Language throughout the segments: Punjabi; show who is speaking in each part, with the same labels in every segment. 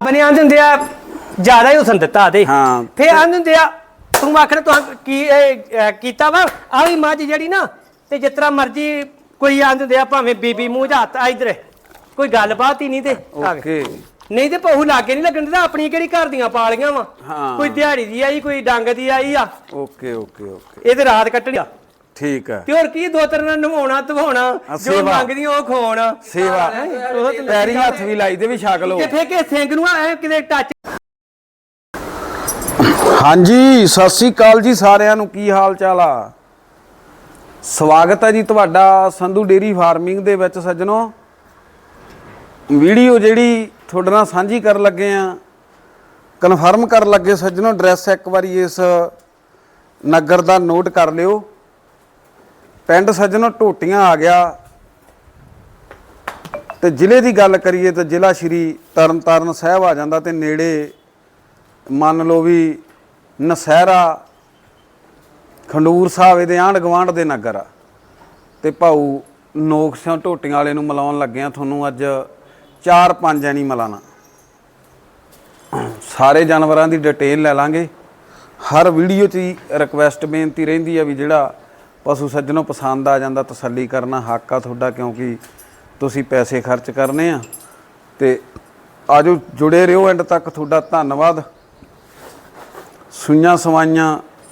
Speaker 1: ਰੱਬ ਨੇ ਆਂਦੇ ਹੁੰਦੇ ਆ ਜ਼ਿਆਦਾ ਹੀ ਹੁਸਨ ਦਿੱਤਾ ਤੇ
Speaker 2: ਹਾਂ
Speaker 1: ਫੇਰ ਆਂਦੇ ਹੁੰਦੇ ਆ ਤੂੰ ਆਖਣ ਤੂੰ ਕੀ ਕੀਤਾ ਵਾ ਆ ਵੀ ਮੱਝ ਜਿਹੜੀ ਨਾ ਤੇ ਜਿਸ ਤਰ੍ਹਾਂ ਮਰਜੀ ਕੋਈ ਆਂਦੇ ਹੁੰਦੇ ਆ ਭਾਵੇਂ ਬੀਬੀ ਮੂੰਹ ਜਾਂ ਹੱਥ ਇਧਰ ਕੋਈ ਗੱਲਬਾਤ ਹੀ ਨਹੀਂ ਤੇ
Speaker 2: ਓਕੇ
Speaker 1: ਨਹੀਂ ਤੇ ਪਹੂ ਲਾਗੇ ਨਹੀਂ ਲੱਗਣ ਦਿੰਦਾ ਆਪਣੀ ਕਿਹੜੀ ਘਰ ਦੀਆਂ ਪਾਲੀਆਂ ਵਾ ਕੋਈ ਦਿਹਾੜੀ ਦੀ ਆਈ ਕੋਈ ਡੰਗ ਦੀ ਆਈ ਆ
Speaker 2: ਓਕੇ ਓਕੇ ਓਕੇ
Speaker 1: ਇਹ ਤੇ ਰਾਤ ਕੱਟਣੀ ਆ
Speaker 2: ਠੀਕ ਹੈ
Speaker 1: ਤੇ ਹੋਰ ਕੀ ਦੋ ਤਰ੍ਹਾਂ ਨਾਲ ਨਵਾਉਣਾ ਧਵਾਉਣਾ ਜੋ ਮੰਗਦੀਆਂ ਉਹ ਖਵਾਉਣਾ
Speaker 2: ਸੇਵਾ ਪੈਰੀ ਹੱਥ ਵੀ ਲਾਈ ਦੇ ਵੀ ਛਕ ਲੋ
Speaker 1: ਤੇ ਫੇਰ ਕੇ ਸਿੰਘ ਨੂੰ ਐ ਕਿਤੇ ਟੱਚ
Speaker 2: ਹਾਂਜੀ ਸਤਿ ਸ੍ਰੀ ਅਕਾਲ ਜੀ ਸਾਰਿਆਂ ਨੂੰ ਕੀ ਹਾਲ ਚਾਲ ਆ ਸਵਾਗਤ ਹੈ ਜੀ ਤੁਹਾਡਾ ਸੰਧੂ ਡੇਰੀ ਫਾਰਮਿੰਗ ਦੇ ਵਿੱਚ ਸੱਜਣੋ ਵੀਡੀਓ ਜਿਹੜੀ ਤੁਹਾਡੇ ਨਾਲ ਸਾਂਝੀ ਕਰਨ ਲੱਗੇ ਆ ਕਨਫਰਮ ਕਰਨ ਲੱਗੇ ਸੱਜਣੋ ਐਡਰੈਸ ਇੱਕ ਵਾਰੀ ਇਸ ਨਗਰ ਦਾ ਨੋਟ ਕਰ ਲਿਓ ਪਿੰਡ ਸੱਜਣੋ ਢੋਟੀਆਂ ਆ ਗਿਆ ਤੇ ਜ਼ਿਲ੍ਹੇ ਦੀ ਗੱਲ ਕਰੀਏ ਤਾਂ ਜ਼ਿਲ੍ਹਾ ਸ਼੍ਰੀ ਤਰਨਤਾਰਨ ਸਾਹਿਬ ਆ ਜਾਂਦਾ ਤੇ ਨੇੜੇ ਮੰਨ ਲਓ ਵੀ ਨਸਹਿਰਾ ਖੰਡੂਰ ਸਾਹਿਬ ਇਹਦੇ ਆਂਢ ਗੁਆਂਢ ਦੇ ਨਗਰ ਆ ਤੇ ਭਾਊ ਨੋਕ ਸਿੰਘ ਢੋਟੀਆਂ ਵਾਲੇ ਨੂੰ ਮਿਲਾਉਣ ਲੱਗੇ ਆ ਤੁਹਾਨੂੰ ਅੱਜ 4-5 ਐਨੀਮਲਾਂ ਨਾਲ ਸਾਰੇ ਜਾਨਵਰਾਂ ਦੀ ਡਿਟੇਲ ਲੈ ਲਾਂਗੇ ਹਰ ਵੀਡੀਓ 'ਚ ਹੀ ਰਿਕਵੈਸਟ ਬੇਨਤੀ ਰਹਿੰਦੀ ਆ ਵੀ ਜਿਹੜਾ ਪਸ਼ੂ ਸੱਜਣੋਂ ਪਸੰਦ ਆ ਜਾਂਦਾ ਤਸੱਲੀ ਕਰਨਾ ਹੱਕ ਆ ਤੁਹਾਡਾ ਕਿਉਂਕਿ ਤੁਸੀਂ ਪੈਸੇ ਖਰਚ ਕਰਨੇ ਆ ਤੇ ਆਜੋ ਜੁੜੇ ਰਹੋ ਐਂਡ ਤੱਕ ਤੁਹਾਡਾ ਧੰਨਵਾਦ ਸੂਈਆਂ ਸਵਾਈਆਂ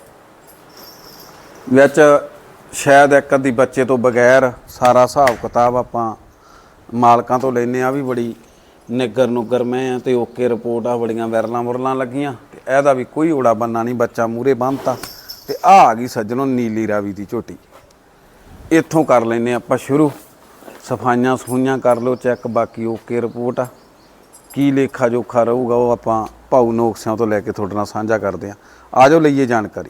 Speaker 2: ਵਿੱਚ ਸ਼ਾਇਦ ਇੱਕ ਅੱਧੀ ਬੱਚੇ ਤੋਂ ਬਗੈਰ ਸਾਰਾ ਹਿਸਾਬ ਕਿਤਾਬ ਆਪਾਂ ਮਾਲਕਾਂ ਤੋਂ ਲੈਨੇ ਆ ਵੀ ਬੜੀ ਨਿੱਗਰ ਨੁੱਗਰ ਮੈਂ ਆ ਤੇ ਓਕੇ ਰਿਪੋਰਟ ਆ ਬੜੀਆਂ ਵਿਰਲਾਂ ਮੁਰਲਾਂ ਲੱਗੀਆਂ ਤੇ ਇਹਦਾ ਵੀ ਕੋਈ ਓੜਾ ਬੰਨਾ ਨਹੀਂ ਬੱਚਾ ਮੂਰੇ ਬੰਨਤਾ ਤੇ ਆ ਗਈ ਸੱਜਣੋ ਨੀਲੀ ਰਾਵੀ ਦੀ ਝੋਟੀ ਇੱਥੋਂ ਕਰ ਲੈਨੇ ਆਪਾਂ ਸ਼ੁਰੂ ਸਫਾਈਆਂ ਸਫੂਈਆਂ ਕਰ ਲਓ ਚੈੱਕ ਬਾਕੀ ਓਕੇ ਰਿਪੋਰਟ ਆ ਕੀ ਲੇਖਾ ਜੋਖਾ ਰਹੂਗਾ ਉਹ ਆਪਾਂ ਭਾਊ ਨੋਕ ਸਿੰਘ ਤੋਂ ਲੈ ਕੇ ਤੁਹਾਡੇ ਨਾਲ ਸਾਂਝਾ ਕਰਦੇ ਆ ਆਜੋ ਲਈਏ ਜਾਣਕਾਰੀ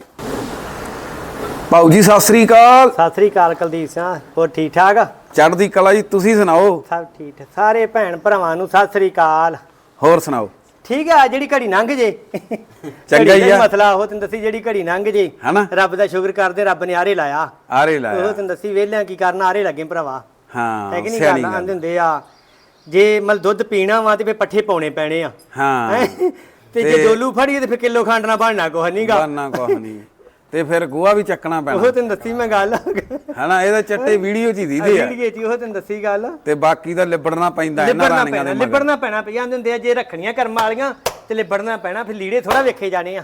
Speaker 2: ਭਾਊ ਜੀ ਸਤਿ ਸ੍ਰੀ ਅਕਾਲ
Speaker 1: ਕੁਲਦੀਪ ਸਿੰਘ ਹੋਰ ਠੀਕ ਠਾਕ
Speaker 2: ਚੜ੍ਹਦੀ ਕਲਾ ਜੀ ਤੁਸੀਂ ਸੁਣਾਓ
Speaker 1: ਸਭ ਠੀਕ ਸਾਰੇ ਭੈਣ ਭਰਾਵਾਂ ਨੂੰ ਸਤਿ ਸ੍ਰੀ ਅਕਾਲ
Speaker 2: ਹੋਰ ਸੁਣਾਓ
Speaker 1: ਠੀਕ ਆ ਜਿਹੜੀ ਘੜੀ ਲੰਘ ਜੇ
Speaker 2: ਚੰਗਾ ਹੀ ਆ
Speaker 1: ਮਸਲਾ ਉਹ ਤੈਨੂੰ ਦੱਸੀ ਜਿਹੜੀ ਘੜੀ ਲੰਘ ਜੇ ਰੱਬ ਦਾ ਸ਼ੁਕਰ ਕਰਦੇ ਰੱਬ ਨੇ ਆਰੇ ਲਾਇਆ ਉਹ ਤੈਨੂੰ ਦੱਸੀ ਵੇਲਿਆਂ ਕੀ ਕਰਨਾ ਆਰੇ ਲੱਗੇ ਭਰਾਵਾ
Speaker 2: ਹਾਂ
Speaker 1: ਹੈ ਕਿ ਨਹੀਂ ਗੱਲ ਆਂਦੇ ਹੁੰਦੇ ਆ ਜੇ ਮਤਲਬ ਦੁੱਧ ਪੀਣਾ ਵਾ ਤੇ ਫੇ ਪੱਠੇ ਪਾਉਣੇ ਪੈਣੇ ਆ
Speaker 2: ਹਾਂ
Speaker 1: ਤੇ ਜੇ ਡੋਲੂ ਫੜੀਏ ਤੇ ਫੇ ਕਿਲੋ ਖੰਡ ਨਾ ਬਣਨਾ ਕੁਛ ਨਹੀਂਗਾ
Speaker 2: ਬਣਨਾ ਕੁਛ ਨਹੀਂ ਤੇ ਫਿਰ ਗੋਹਾ ਵੀ ਚੱਕਣਾ ਪੈਣਾ
Speaker 1: ਉਹ ਤੈਨੂੰ ਦੱਸੀ ਮੈਂ ਗੱਲ
Speaker 2: ਹਨਾ ਇਹਦਾ ਚੱਟੇ ਵੀਡੀਓ ਚ ਹੀ ਦੀਦੇ ਆ
Speaker 1: ਵੀਡੀਓ ਚ ਉਹ ਤੈਨੂੰ ਦੱਸੀ ਗੱਲ
Speaker 2: ਤੇ ਬਾਕੀ ਦਾ ਲਿਬੜਨਾ ਪੈਂਦਾ ਇਹਨਾਂ ਰਾਣੀਆਂ ਦੇ ਮਗਰ
Speaker 1: ਲਿਬੜਨਾ ਪੈਣਾ ਪਿਆ ਜਾਂਦੇ ਹੁੰਦੇ ਆ ਜੇ ਰੱਖਣੀਆਂ ਕਰਮ ਵਾਲੀਆਂ ਤੇ ਲਿਬੜਨਾ ਪੈਣਾ ਫਿਰ ਲੀੜੇ ਥੋੜਾ ਵੇਖੇ ਜਾਣੇ ਆ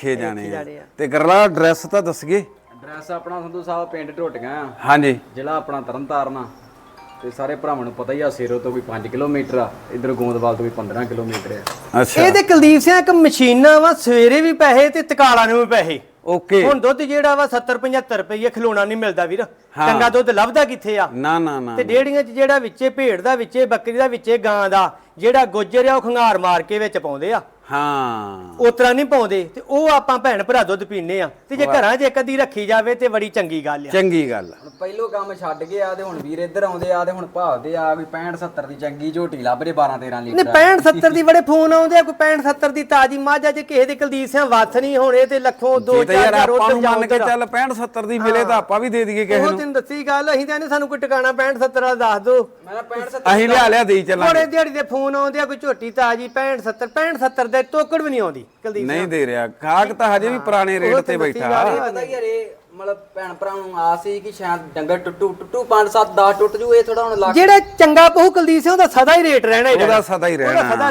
Speaker 2: ਤੇ ਗਰਲਾ ਐਡਰੈਸ ਤਾਂ ਦੱਸਗੇ
Speaker 3: ਐਡਰੈਸ ਆਪਣਾ ਸੰਧੂ ਸਾਹਿਬ ਪਿੰਡ ਢੋਟੀਆਂ ਆ
Speaker 2: ਹਾਂਜੀ
Speaker 3: ਜ਼ਿਲ੍ਹਾ ਆਪਣਾ ਤਰਨਤਾਰਨ ਆ ਤੇ ਸਾਰੇ ਭਰਾਵਾਂ ਨੂੰ ਪਤਾ ਹੀ ਆ ਸੇਰੋ ਤੋਂ ਵੀ 5 ਕਿਲੋਮੀਟਰ ਆ ਇਧਰ ਗੋਂਦਵਾਲ ਤੋਂ ਵੀ 15 ਕਿਲੋਮੀਟਰ ਆ
Speaker 2: ਅੱਛਾ
Speaker 1: ਇਹ ਤੇ ਕੁਲਦੀਪ ਸਿੰਘ ਇੱਕ ਮਸ਼ੀਨਾਂ ਵਾ ਸਵੇਰੇ ਵੀ ਪੈਸੇ ਤੇ ਤਕਾਲਾਂ ਨੂੰ ਵੀ ਪੈਸੇ
Speaker 2: ਓਕੇ
Speaker 1: ਹੁਣ ਦੁੱਧ ਜਿਹੜਾ ਵਾ 70-75 ਰੁਪਏ ਖਲੋਣਾ ਨਹੀਂ ਮਿਲਦਾ ਵੀਰ ਚੰਗਾ ਦੁੱਧ ਲੱਭਦਾ ਕਿੱਥੇ ਆ
Speaker 2: ਨਾ ਨਾ ਨਾ
Speaker 1: ਤੇ ਡੇੜੀਆਂ 'ਚ ਜਿਹੜਾ ਵਿੱਚੇ ਭੇਡ ਦਾ ਵਿੱਚੇ ਬੱਕਰੀ ਦਾ ਵਿੱਚੇ ਗਾਂ ਦਾ ਜਿਹੜਾ ਗੁੱਜਰ ਆ ਉਹ ਖੰਗਾਰ ਮਾਰ ਕੇ ਵਿੱਚ ਪਾਉਂਦੇ ਆ
Speaker 2: ਹਾਂ
Speaker 1: ਉਤਰਾ ਨਹੀਂ ਪਾਉਂਦੇ ਤੇ ਉਹ ਆਪਾਂ ਭੈਣ ਭਰਾ ਦੁੱਧ ਪੀਨੇ ਆ ਤੇ ਜੇ ਘਰਾਂ 'ਚ ਇੱਕ ਅੱਧੀ ਰੱਖੀ ਜਾਵੇ ਤੇ ਬੜੀ ਚੰਗੀ ਗੱਲ ਆ
Speaker 2: ਚੰਗੀ ਗੱਲ
Speaker 3: ਹੁਣ ਪਹਿਲੋਂ ਕੰਮ ਛੱਡ ਗਏ ਆ ਤੇ ਹੁਣ ਵੀਰ ਇੱਧਰ ਆਉਂਦੇ ਆ ਤੇ ਹੁਣ ਭਾਲਦੇ ਆ ਵੀ 65-70 ਦੀ ਚੰਗੀ ਝੋਟੀ ਲੱਭ ਰਹੇ 12-13 ਲੀਟਰ
Speaker 1: ਨਹੀਂ 65-70 ਦੀ ਬੜੇ ਫੋਨ ਆਉਂਦੇ ਆ ਕੋਈ 65-70 ਦੀ ਤਾਜੀ ਮੱਝ ਆ ਜੇ ਕਿਸੇ ਦੇ ਕੁਲਦੀਪ ਸਿੰਘ ਵੱਥ ਨਹੀਂ ਹੋਣੇ ਤੇ ਲੱਖੋਂ 2-4
Speaker 2: ਆਪਾਂ ਨੂੰ ਮੰਨ ਕੇ ਚੱਲ 65-70 ਦੀ ਮਿਲੇ ਤਾਂ ਆਪਾਂ ਵੀ ਦੇ ਦਈਏ ਕਿਸੇ ਨੂੰ
Speaker 1: ਉਹ ਤੈਨੂੰ ਦੱਸੀ ਗੱਲ ਅਸੀਂ ਤਾਂ ਸਾਨੂੰ ਕੋਈ ਟਿਕਾਣਾ 65-70 ਦਾ ਦੱਸ ਦੋ
Speaker 3: ਮੈਂ 65-70
Speaker 2: ਅਸੀਂ ਲਿਆ ਦੇਈ ਚੱਲਾਂਗੇ
Speaker 1: ਬੜੇ ਦਿਹਾੜੀ ਦੇ ਫੋਨ ਆਉਂਦੇ ਆ ਕੋਈ ਝੋਟੀ ਤਾਜੀ 65-70 ਦੇ ਟੋਕੜ ਵੀ ਨਹੀਂ ਆਉਂਦੀ ਕੁਲਦੀਪ
Speaker 2: ਨਹੀਂ ਦੇ ਰਿਹਾ ਗਾਹਕ ਤਾਂ ਹਜੇ ਵੀ ਪੁਰਾਣੇ ਰੇਟ ਤੇ ਬੈਠਾ
Speaker 3: ਪਤਾ ਹੀ ਯਾਰ ਇਹ ਮਤਲਬ ਭੈਣ ਭਰਾ ਨੂੰ ਆਸ ਸੀ ਕਿ ਸ਼ਾਇਦ ਡੰਗਰ ਟੁੱਟੂ 5-7-10 ਟੁੱਟ ਜੂ ਇਹ ਥੋੜਾ ਹੁਣ ਲੱਗ
Speaker 1: ਜਿਹੜਾ ਚੰਗਾ ਪਹੂ ਕੁਲਦੀਪ ਸਿੰਘ ਉਹਦਾ ਸਦਾ ਹੀ ਰੇਟ ਰਹਿਣਾ
Speaker 2: ਉਹਦਾ ਸਦਾ ਹੀ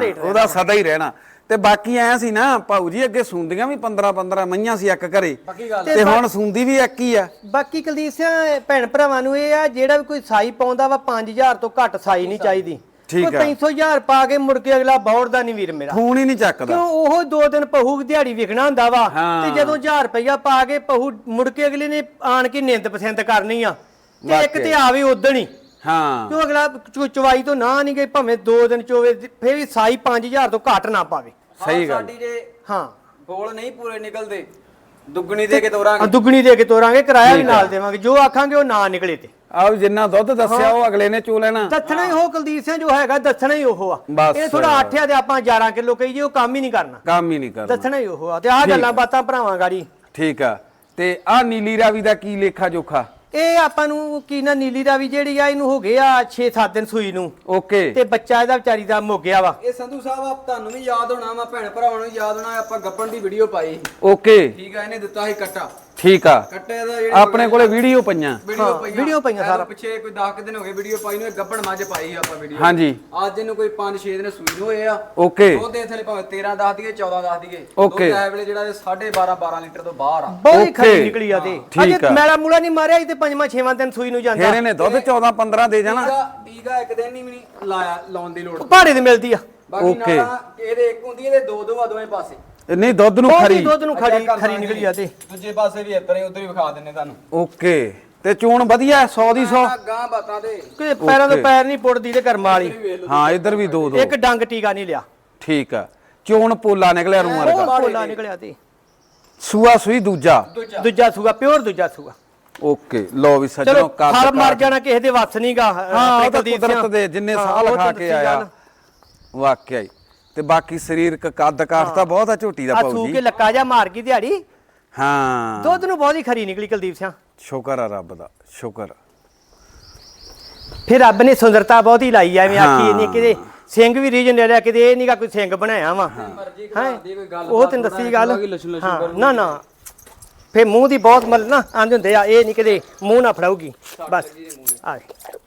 Speaker 2: ਰਹਿਣਾ ਤੇ ਬਾਕੀ ਐ ਸੀ ਨਾ ਭਾਊ ਜੀ ਅੱਗੇ ਸੁੰਦੀਆਂ ਵੀ 15-15 ਮਈਆਂ ਸੀ ਇੱਕ ਘਰੇ ਤੇ ਹੁਣ ਸੁੰਦੀ ਵੀ ਇੱਕ ਹੀ ਆ
Speaker 1: ਬਾਕੀ ਕੁਲਦੀਪ ਸਿੰਘ ਭੈਣ ਭਰਾਵਾਂ ਨੂੰ ਇਹ ਆ ਜਿਹੜਾ ਵੀ ਕੋਈ ਸਾਈ ਪਾਉਂਦਾ ਵਾ 5000 ਤੋਂ ਘੱਟ ਸਾਈ ਨਹੀਂ ਚਾਹੀਦੀ
Speaker 2: ਠੀਕ ਆ
Speaker 1: 300,000 ਪਾ ਕੇ ਮੁੜ ਕੇ ਅਗਲਾ ਬੌੜਦਾ ਨਹੀਂ ਵੀਰ ਮੇਰਾ
Speaker 2: ਫੋਨ ਹੀ ਨਹੀਂ ਚੱਕਦਾ
Speaker 1: ਕਿਉਂ ਉਹ 2 ਦਿਨ ਪਹੂ ਦਿਹਾੜੀ ਵਿਕਣਾ ਹੁੰਦਾ ਵਾ ਤੇ ਜਦੋਂ 1000 ਰੁਪਇਆ ਪਾ ਕੇ ਪਹੂ ਮੁੜ ਕੇ ਅਗਲੇ ਨੇ ਆਣ ਕੇ ਨਿੰਦ ਪਸੰਦ ਕਰਨੀ ਆ ਤੇ ਇੱਕ ਤੇ ਆਵੇ ਉਦਣ ਹੀ
Speaker 2: ਹਾਂ
Speaker 1: ਕਿਉਂ ਅਗਲਾ ਚਵਾਈ ਤੋਂ ਨਾ ਨਹੀਂ ਗਈ ਭਾਵੇਂ 2 ਦਿਨ ਚੋਵੇ ਫੇਰ ਵੀ ਸਾਈ 5000 ਤੋਂ ਘੱਟ ਨਾ ਪਾਵੇ
Speaker 2: ਸਹੀ ਗੱਲ
Speaker 3: ਸਾਡੀ ਜੇ
Speaker 1: ਹਾਂ
Speaker 3: ਬੋਲ ਨਹੀਂ ਪੂਰੇ ਨਿਕਲਦੇ ਦੁੱਗਣੀ ਦੇ ਕੇ ਤੋਰਾਂਗੇ
Speaker 1: ਦੁੱਗਣੀ ਦੇ ਕੇ ਤੋਰਾਂਗੇ ਕਿਰਾਇਆ ਵੀ ਨਾਲ ਦੇਵਾਂਗੇ ਜੋ ਆਖਾਂਗੇ ਉਹ ਨਾ ਨਿਕਲੇ ਤੇ
Speaker 2: ਆਹ ਜਿੰਨਾ ਦੁੱਧ ਦੱਸਿਆ ਉਹ ਅਗਲੇ ਨੇ ਚੋ ਲੈਣਾ
Speaker 1: ਦੱਸਣਾ ਹੀ ਉਹ ਕੁਲਦੀਪ ਸਿੰਘ ਜੋ ਹੈਗਾ ਦੱਸਣਾ ਹੀ ਉਹ ਆ ਇਹ ਥੋੜਾ 8 ਆ ਤੇ ਆਪਾਂ 11 ਕਿਲੋ ਕਹੀਏ ਉਹ ਕੰਮ ਹੀ ਨਹੀਂ ਕਰਨਾ ਦੱਸਣਾ ਹੀ ਉਹ ਆ ਤੇ ਆਹ ਗੱਲਾਂ ਬਾਤਾਂ ਭਰਾਵਾਂ ਗਾੜੀ
Speaker 2: ਠੀਕ ਆ ਤੇ ਆਹ ਨੀਲੀ ਰਾਵੀ ਦਾ ਕੀ ਲੇਖਾ ਜੋਖਾ
Speaker 1: ਇਹ ਆਪਾਂ ਨੂੰ ਕੀ ਨਾ ਨੀਲੀ ਦਾ ਵੀ ਜਿਹੜੀ ਆ ਇਹਨੂੰ ਹੋ ਗਏ ਆ 6-7 ਦਿਨ ਸੂਈ ਨੂੰ
Speaker 2: ਓਕੇ
Speaker 1: ਤੇ ਬੱਚਾ ਇਹਦਾ ਵਿਚਾਰੀ ਦਾ ਮੁੱਕ ਗਿਆ ਵਾ।
Speaker 3: ਇਹ ਸੰਧੂ ਸਾਹਿਬ ਆਪ ਤੁਹਾਨੂੰ ਵੀ ਯਾਦ ਹੋਣਾ ਵਾ, ਭੈਣ ਭਰਾਵਾਂ ਨੂੰ ਯਾਦ ਹੋਣਾ, ਆਪਾਂ ਗੱਪਣ ਦੀ ਵੀਡੀਓ ਪਾਈ,
Speaker 2: ਓਕੇ
Speaker 3: ਠੀਕ ਆ, ਇਹਨੇ ਦਿੱਤਾ ਸੀ ਕੱਟਾ,
Speaker 2: ਠੀਕ ਆ,
Speaker 3: ਕੱਟੇ ਦਾ ਜਿਹੜੇ
Speaker 2: ਆਪਣੇ ਕੋਲੇ ਵੀਡੀਓ ਪਈਆਂ।
Speaker 1: ਵੀਡੀਓ ਪਈਆਂ ਸਾਰਾ
Speaker 3: ਪਿੱਛੇ ਕੋਈ 10 ਦਿਨ ਹੋ ਗਏ ਵੀਡੀਓ ਪਾਈ ਨੂੰ, ਇਹ ਗੱਪਣ ਮੱਝ ਪਾਈ ਸੀ ਆਪਾਂ ਵੀਡੀਓ।
Speaker 2: ਹਾਂਜੀ
Speaker 3: ਅੱਜ ਇਹਨੂੰ ਕੋਈ 5-6 ਦਿਨ ਸੂਈ ਨੂੰ ਹੋਏ ਆ।
Speaker 2: ਓਕੇ
Speaker 3: ਦੁੱਧ ਦੇ ਥਲੇ ਭਾਵੇਂ 13 ਦੱਸ ਦਈਏ 14 ਦੱਸ ਦਈਏ,
Speaker 2: ਓਕੇ।
Speaker 3: ਦੁੱਧ ਐ ਵੇਲੇ ਜਿਹੜਾ 12.5 ਲੀਟਰ ਤੋਂ ਬਾਹਰ ਆ।
Speaker 1: ਬਹੁਤ
Speaker 2: ਓਕੇ।
Speaker 1: ਖਰੀ ਨਿਕਲੀ ਆ ਤੇ
Speaker 2: ਠੀਕ
Speaker 1: ਅਜੇ
Speaker 2: ਆ।
Speaker 1: ਮੈਲਾ ਮੂਲਾ ਨਹੀਂ ਮਾਰਿਆ ਇਹ ਤੇ 5ਵਾਂ-6ਵਾਂ ਦਿਨ ਸੂਈ ਨੂੰ ਜਾਂਦਾ।
Speaker 2: ਫੇਰ ਇਹਨੇ ਦੁੱਧ 14-15 ਦੇ ਜਾਣਾ।
Speaker 3: ਟੀਕਾ ਇੱਕ ਦਿਨ ਹੀ ਵੀ ਨਹੀਂ ਲਾਇਆ, ਲਾਉਣ ਦੀ ਲੋੜ।
Speaker 1: ਪਹਾੜੇ ਦੀ ਮਿਲਦੀ ਆ।
Speaker 3: ਬਾਕੀ
Speaker 2: ਓਕੇ।
Speaker 3: ਨਾਲ ਇਹਦੇ ਇੱਕ ਹੁੰਦੀ ਇਹਦੇ ਦੋ ਆ ਦੋਵੇਂ ਪਾਸੇ।
Speaker 2: ਨਹੀਂ ਦੁੱਧ ਨੂੰ
Speaker 1: ਬਹੁਤ
Speaker 2: ਖਰੀ।
Speaker 1: ਹੀ ਦੁੱਧ ਨੂੰ ਖਰੀ ਨਿਕਲੀ ਆ ਤੇ
Speaker 3: ਦੂਜੇ ਪਾਸੇ ਵੀ ਇੱਧਰ ਹੀ ਉਧਰ ਹੀ ਵਿਖਾ ਦਿੰਨੇ ਤੁਹਾਨੂੰ।
Speaker 2: ਓਕੇ ਤੇ ਚੂਣ ਵਧੀਆ 100 ਦੀ 100।
Speaker 3: ਗਾਂ ਬਾਤਾਂ ਦੇ
Speaker 1: ਕਿ ਪੈਰਾਂ ਤੋਂ ਪੈਰ ਨਹੀਂ ਪੁੱਟਦੀ ਤੇ ਕਰਮ ਵਾਲੀ।
Speaker 2: ਹਾਂ ਇੱਧਰ ਵੀ 2-2
Speaker 1: ਇੱਕ ਡੰਗ ਟੀਕਾ ਨਹੀਂ ਲਿਆ।
Speaker 2: ਠੀਕ ਆ, ਚੂਣ ਪੋਲਾ ਨਿਕਲਿਆ ਰੂ ਵਰਗਾ।
Speaker 1: ਉਹ ਪੋਲਾ ਨਿਕਲਿਆ ਤੇ
Speaker 2: ਸੂਆ ਸੂਈ ਦੂਜਾ
Speaker 1: ਦੂਜਾ ਸੂਆ ਪਿਓਰ ਦੂਜਾ ਸੂਆ।
Speaker 2: ਓਕੇ ਲੋ ਵੀ ਸੱਜਣੋ
Speaker 1: ਚਲੋ
Speaker 2: ਕੱਦ
Speaker 1: ਫਲ ਮਰ ਜਾਣਾ ਕਿਸੇ ਦੇ ਵੱਸ ਨਹੀਂਗਾ।
Speaker 2: ਹਾਂ ਉਹ ਤਾਂ ਕੁਦਰਤ ਦੇ ਜਿੰਨੇ ਸਾਲ ਖਾ ਕੇ ਆਇਆ ਵਾਕਿਆ ਹੀ। ਤੇ ਬਾਕੀ ਸਰੀਰਕ ਕੱਦ ਕਾਠ ਤਾਂ ਬਹੁਤ ਆ ਝੋਟੀ ਦਾ
Speaker 1: ਆ
Speaker 2: ਪਾਉ
Speaker 1: ਸੂ
Speaker 2: ਜੀ।
Speaker 1: ਕੇ ਲੱਕਾ ਜਾ ਮਾਰ ਗਈ ਦਿਹਾੜੀ।
Speaker 2: ਹਾਂ
Speaker 1: ਦੁੱਧ ਨੂੰ ਬਹੁਤ ਹੀ ਖਰੀ ਨਿਕਲੀ ਕੁਲਦੀਪ ਸਿੰਘ।
Speaker 2: ਸ਼ੁਕਰ ਆ ਰੱਬ ਦਾ, ਸ਼ੁਕਰ।
Speaker 1: ਫਿਰ ਰੱਬ ਨੇ ਸੁੰਦਰਤਾ ਬਹੁਤ ਹੀ ਲਾਈ ਐਵੇਂ ਆਖੀ ਨਹੀਂ ਕਿਤੇ ਸਿੰਘ ਵੀ ਰੀਜਨ ਲੈ ਲਿਆ, ਕਿਤੇ ਇਹ ਨਹੀਂਗਾ ਕੋਈ ਸਿੰਘ ਬਣਾਇਆ ਵਾ। ਉਹ ਤੈਨੂੰ ਦੱਸੀ ਗੱਲ। ਹਾਂ ਨਾ ਨਾ ਫੇ ਮੂੰਹ ਦੀ ਬਹੁਤ ਮਤਲਬ ਨਾ ਆਂਦੇ ਹੁੰਦੇ ਆ, ਇਹ ਨਹੀਂ ਕਿਤੇ ਮੂੰਹ ਨਾ ਫੜਾਉਗੀ ਬਸ। ਆ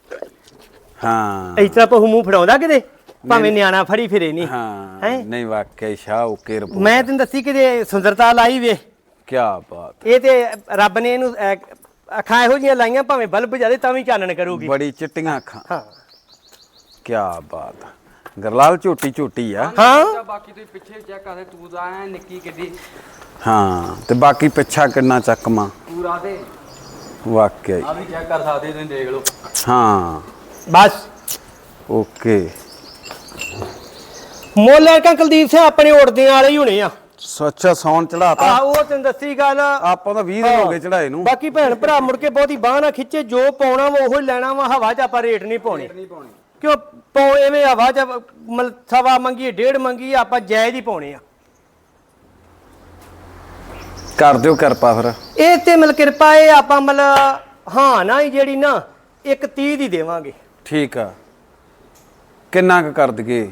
Speaker 2: ਹਾਂ
Speaker 1: ਇਸ ਤਰ੍ਹਾਂ ਪਹੂ ਮੂੰਹ ਫੜਾਉਂਦਾ ਕਿਤੇ ਭਾਵੇਂ ਨਿਆਣਾ ਫੜੀ ਫਿਰੇ ਨਹੀਂ।
Speaker 2: ਹਾਂ ਨਹੀਂ ਵਾਕਿਆ ਸ਼ਾਹ ਓਕੇ ਰਿਪੋਰਟ।
Speaker 1: ਮੈਂ ਤੈਨੂੰ ਦੱਸੀ ਕਿਤੇ ਸੁੰਦਰਤਾ ਲਾਈ ਵੇ।
Speaker 2: ਕੀ ਬਾਤ।
Speaker 1: ਇਹ ਤੇ ਰੱਬ ਨੇ ਇਹਨੂੰ ਅੱਖਾਂ ਇਹੋ ਜਿਹੀਆਂ ਲਾਈਆਂ ਭਾਵੇਂ ਬਲਬ ਜਾਦੇ ਤਾਂ ਵੀ ਚਾਨਣ ਕਰੂਗੀ।
Speaker 2: ਬੜੀ ਚਿੱਟੀਆਂ ਅੱਖਾਂ।
Speaker 1: ਹਾਂ
Speaker 2: ਕੀ ਬਾਤ। ਗਰਲਾਲ ਝੋਟੀ ਆ।
Speaker 1: ਹਾਂ
Speaker 3: ਬਾਕੀ ਤੁਸੀਂ ਪਿੱਛੇ ਚੈੱਕ ਕਰਦੇ, ਤੂੰ ਤਾਂ ਐ ਨਿੱਕੀ ਕਿੱਡੀ।
Speaker 2: ਹਾਂ ਤੇ ਬਾਕੀ ਪਿੱਛਾ ਕਿੰਨਾ ਚੱਕਮਾ
Speaker 3: ਪੂਰਾ ਤੇ
Speaker 2: ਵਾਕਿਆ ਹੀ।
Speaker 3: ਆ ਵੀ ਚੈੱਕ ਕਰ ਸਕਦੇ, ਤੁਸੀਂ ਦੇਖ ਲਓ।
Speaker 2: ਹਾਂ
Speaker 1: ਬਸ
Speaker 2: ਓਕੇ।
Speaker 1: ਮੁੱਲ ਕਾ ਕੁਲਦੀਪ ਸਿੰਘ ਆਪਣੇ ਉੜਦਿਆਂ ਵਾਲੇ ਹੀ ਹੋਣੇ ਆ।
Speaker 2: ਸੱਚਾ ਸੌਣ ਚੜਾਤਾ।
Speaker 1: ਆ ਉਹ ਤੈਨੂੰ ਦੱਸੀ ਗੱਲ।
Speaker 2: ਆਪਾਂ ਤਾਂ 20 ਦਿਨ ਹੋ ਗਏ ਚੜਾਏ ਨੂੰ।
Speaker 1: ਬਾਕੀ ਭੈਣ ਭਰਾ ਮੁੜ ਕੇ ਬਹੁਤੀ ਬਾਹ ਨਾ ਖਿੱਚੇ, ਜੋ ਪਾਉਣਾ ਵਾ ਉਹੀ ਲੈਣਾ ਵਾ। ਹਵਾ 'ਚ ਆਪਾਂ ਰੇਟ ਨਹੀਂ ਪਾਉਣੀ ਕਿਉਂ ਐਵੇਂ ਹਵਾ 'ਚ ਸਵਾ ਮੰਗੀ 1.5 ਮੰਗੀ ਆਪਾਂ ਜਾਇਜ਼ ਹੀ ਪਾਉਣੇ ਆ।
Speaker 2: ਕਰ ਦਿਓ ਕਿਰਪਾ ਫਿਰ।
Speaker 1: ਇਹ ਤੇ ਮਿਲ ਕਿਰਪਾ ਇਹ ਆਪਾਂ ਹਾਂ ਨਾ ਹੀ ਜਿਹੜੀ ਨਾ 1.30 ਦੀ ਦੇਵਾਂਗੇ।
Speaker 2: ਠੀਕ ਆ, ਕਿੰਨਾ ਕੁ ਕਰ ਦਈਏ?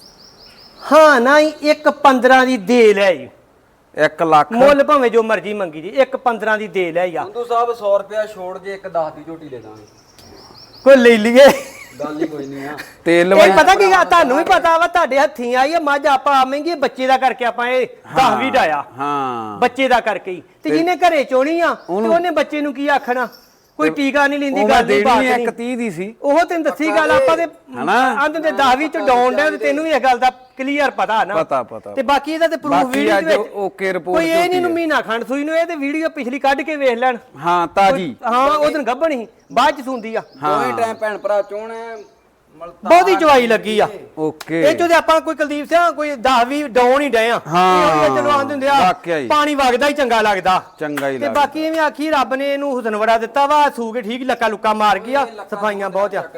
Speaker 1: ਹਾਂ ਨਾ ਹੀ 1.15 ਦੀ ਦੇ ਲੈ ਜੀ।
Speaker 2: 1 ਲੱਖ
Speaker 1: ਮੁੱਲ ਭਾਵੇਂ ਜੋ ਮਰਜ਼ੀ ਮੰਗੀ ਜੀ 1.15 ਦੀ ਦੇ ਲੈ ਆ।
Speaker 3: ਸੰਧੂ ਸਾਹਿਬ 100 ਰੁਪਿਆ ਛੋੜ ਜੇ 1.10 ਦੀ ਝੋਟੀ ਲੈ ਦਾਂਗੇ।
Speaker 1: ਕੋਈ ਲੈ ਲਈਏ
Speaker 3: ਗੱਲ ਹੀ ਕੋਈ ਨਹੀਂ ਆ।
Speaker 2: ਤੇਲ
Speaker 1: ਇਹ ਪਤਾ ਕੀ ਗੱਲ ਤੁਹਾਨੂੰ ਵੀ ਪਤਾ ਵਾ ਤੁਹਾਡੇ ਹੱਥੀਂ ਆਈ ਆ ਮੱਝ। ਆਪਾਂ ਮਹਿੰਗੀ ਬੱਚੇ ਦਾ ਕਰਕੇ ਆਪਾਂ ਇਹ 10 ਵੀ ਡਾਇਆ
Speaker 2: ਹਾਂ
Speaker 1: ਬੱਚੇ ਦਾ ਕਰਕੇ ਹੀ। ਤੇ ਜਿਹਨੇ ਘਰੇ ਚੋਣੀ ਆ ਤੇ ਉਹਨੇ ਬੱਚੇ ਨੂੰ ਕੀ ਆਖਣਾ? ਕੋਈ ਟੀਕਾ ਨਹੀਂ ਲੈਂਦੀ ਗੱਲ ਨਹੀਂ ਬਾਤ ਨਹੀਂ।
Speaker 2: 1.30 ਦੀ ਸੀ
Speaker 1: ਉਹ ਤੈਨੂੰ ਦੱਸੀ ਗੱਲ ਆਪਾਂ ਤੇ ਅੰਦ ਦੇ 10 ਵੀ ਚ ਡਾਉਣ ਡਿਆ ਤੇ ਤੈਨੂੰ ਵੀ ਇਹ ਗੱਲ ਦਾ ਕਲੀਅਰ ਪਤਾ ਨਾ।
Speaker 2: ਪਤਾ
Speaker 1: ਤੇ ਬਾਕੀ ਇਹਦਾ ਤੇ ਪ੍ਰੂਫ
Speaker 2: ਬਾਕੀ
Speaker 1: ਵੀਡੀਓ
Speaker 2: ਅੱਜ
Speaker 1: ਦੇ ਵਿੱਚ
Speaker 2: ਓਕੇ ਰਿਪੋਰਟ
Speaker 1: ਕੋਈ ਇਹ ਨਹੀਂ ਨੂੰ ਮਹੀਨਾ ਖੰਡ ਸੂਈ ਨੂੰ। ਇਹ ਤੇ ਵੀਡੀਓ ਪਿਛਲੀ ਕੱਢ ਕੇ ਵੇਖ ਲੈਣ।
Speaker 2: ਹਾਂ ਤਾਜੀ।
Speaker 1: ਹਾਂ ਉਹ ਦਿਨ ਗੱਭਣ ਸੀ ਬਾਅਦ ਚ ਸੁੰਦੀ ਆ।
Speaker 3: ਦੋਵੇਂ ਟਾਈਮ ਭੈਣ ਭਰਾ ਚੋਣ
Speaker 1: ਬਹੁਤੀ ਚਵਾਈ ਲੱਗੀ ਆ।
Speaker 2: ਓਕੇ
Speaker 1: ਇਹ ਚੋਂ ਤੇ ਆਪਾਂ ਕੋਈ ਕੁਲਦੀਪ ਸਿੰਘ ਕੋਈ 10 ਵੀ ਡਾਉਣ ਹੀ ਡਏ ਆ।
Speaker 2: ਹਾਂ
Speaker 1: ਚਲੋ ਆਂਦੇ ਹੁੰਦੇ ਆ
Speaker 2: ਵਾਕਿਆ ਹੀ।
Speaker 1: ਪਾਣੀ ਵਗਦਾ ਹੀ ਚੰਗਾ ਲੱਗਦਾ।
Speaker 2: ਚੰਗਾ ਹੀ
Speaker 1: ਤੇ
Speaker 2: ਲੱਗਦਾ।
Speaker 1: ਬਾਕੀ ਐਵੇਂ ਆਖੀ ਰੱਬ ਨੇ ਇਹਨੂੰ ਹੁਸਨ ਬੜਾ ਦਿੱਤਾ ਵਾ। ਸੂ ਕੇ ਠੀਕ ਲੱਕਾ ਲੁੱਕਾ ਮਾਰ ਗਿਆ। ਸਫਾਈਆਂ ਬਹੁਤ ਆ।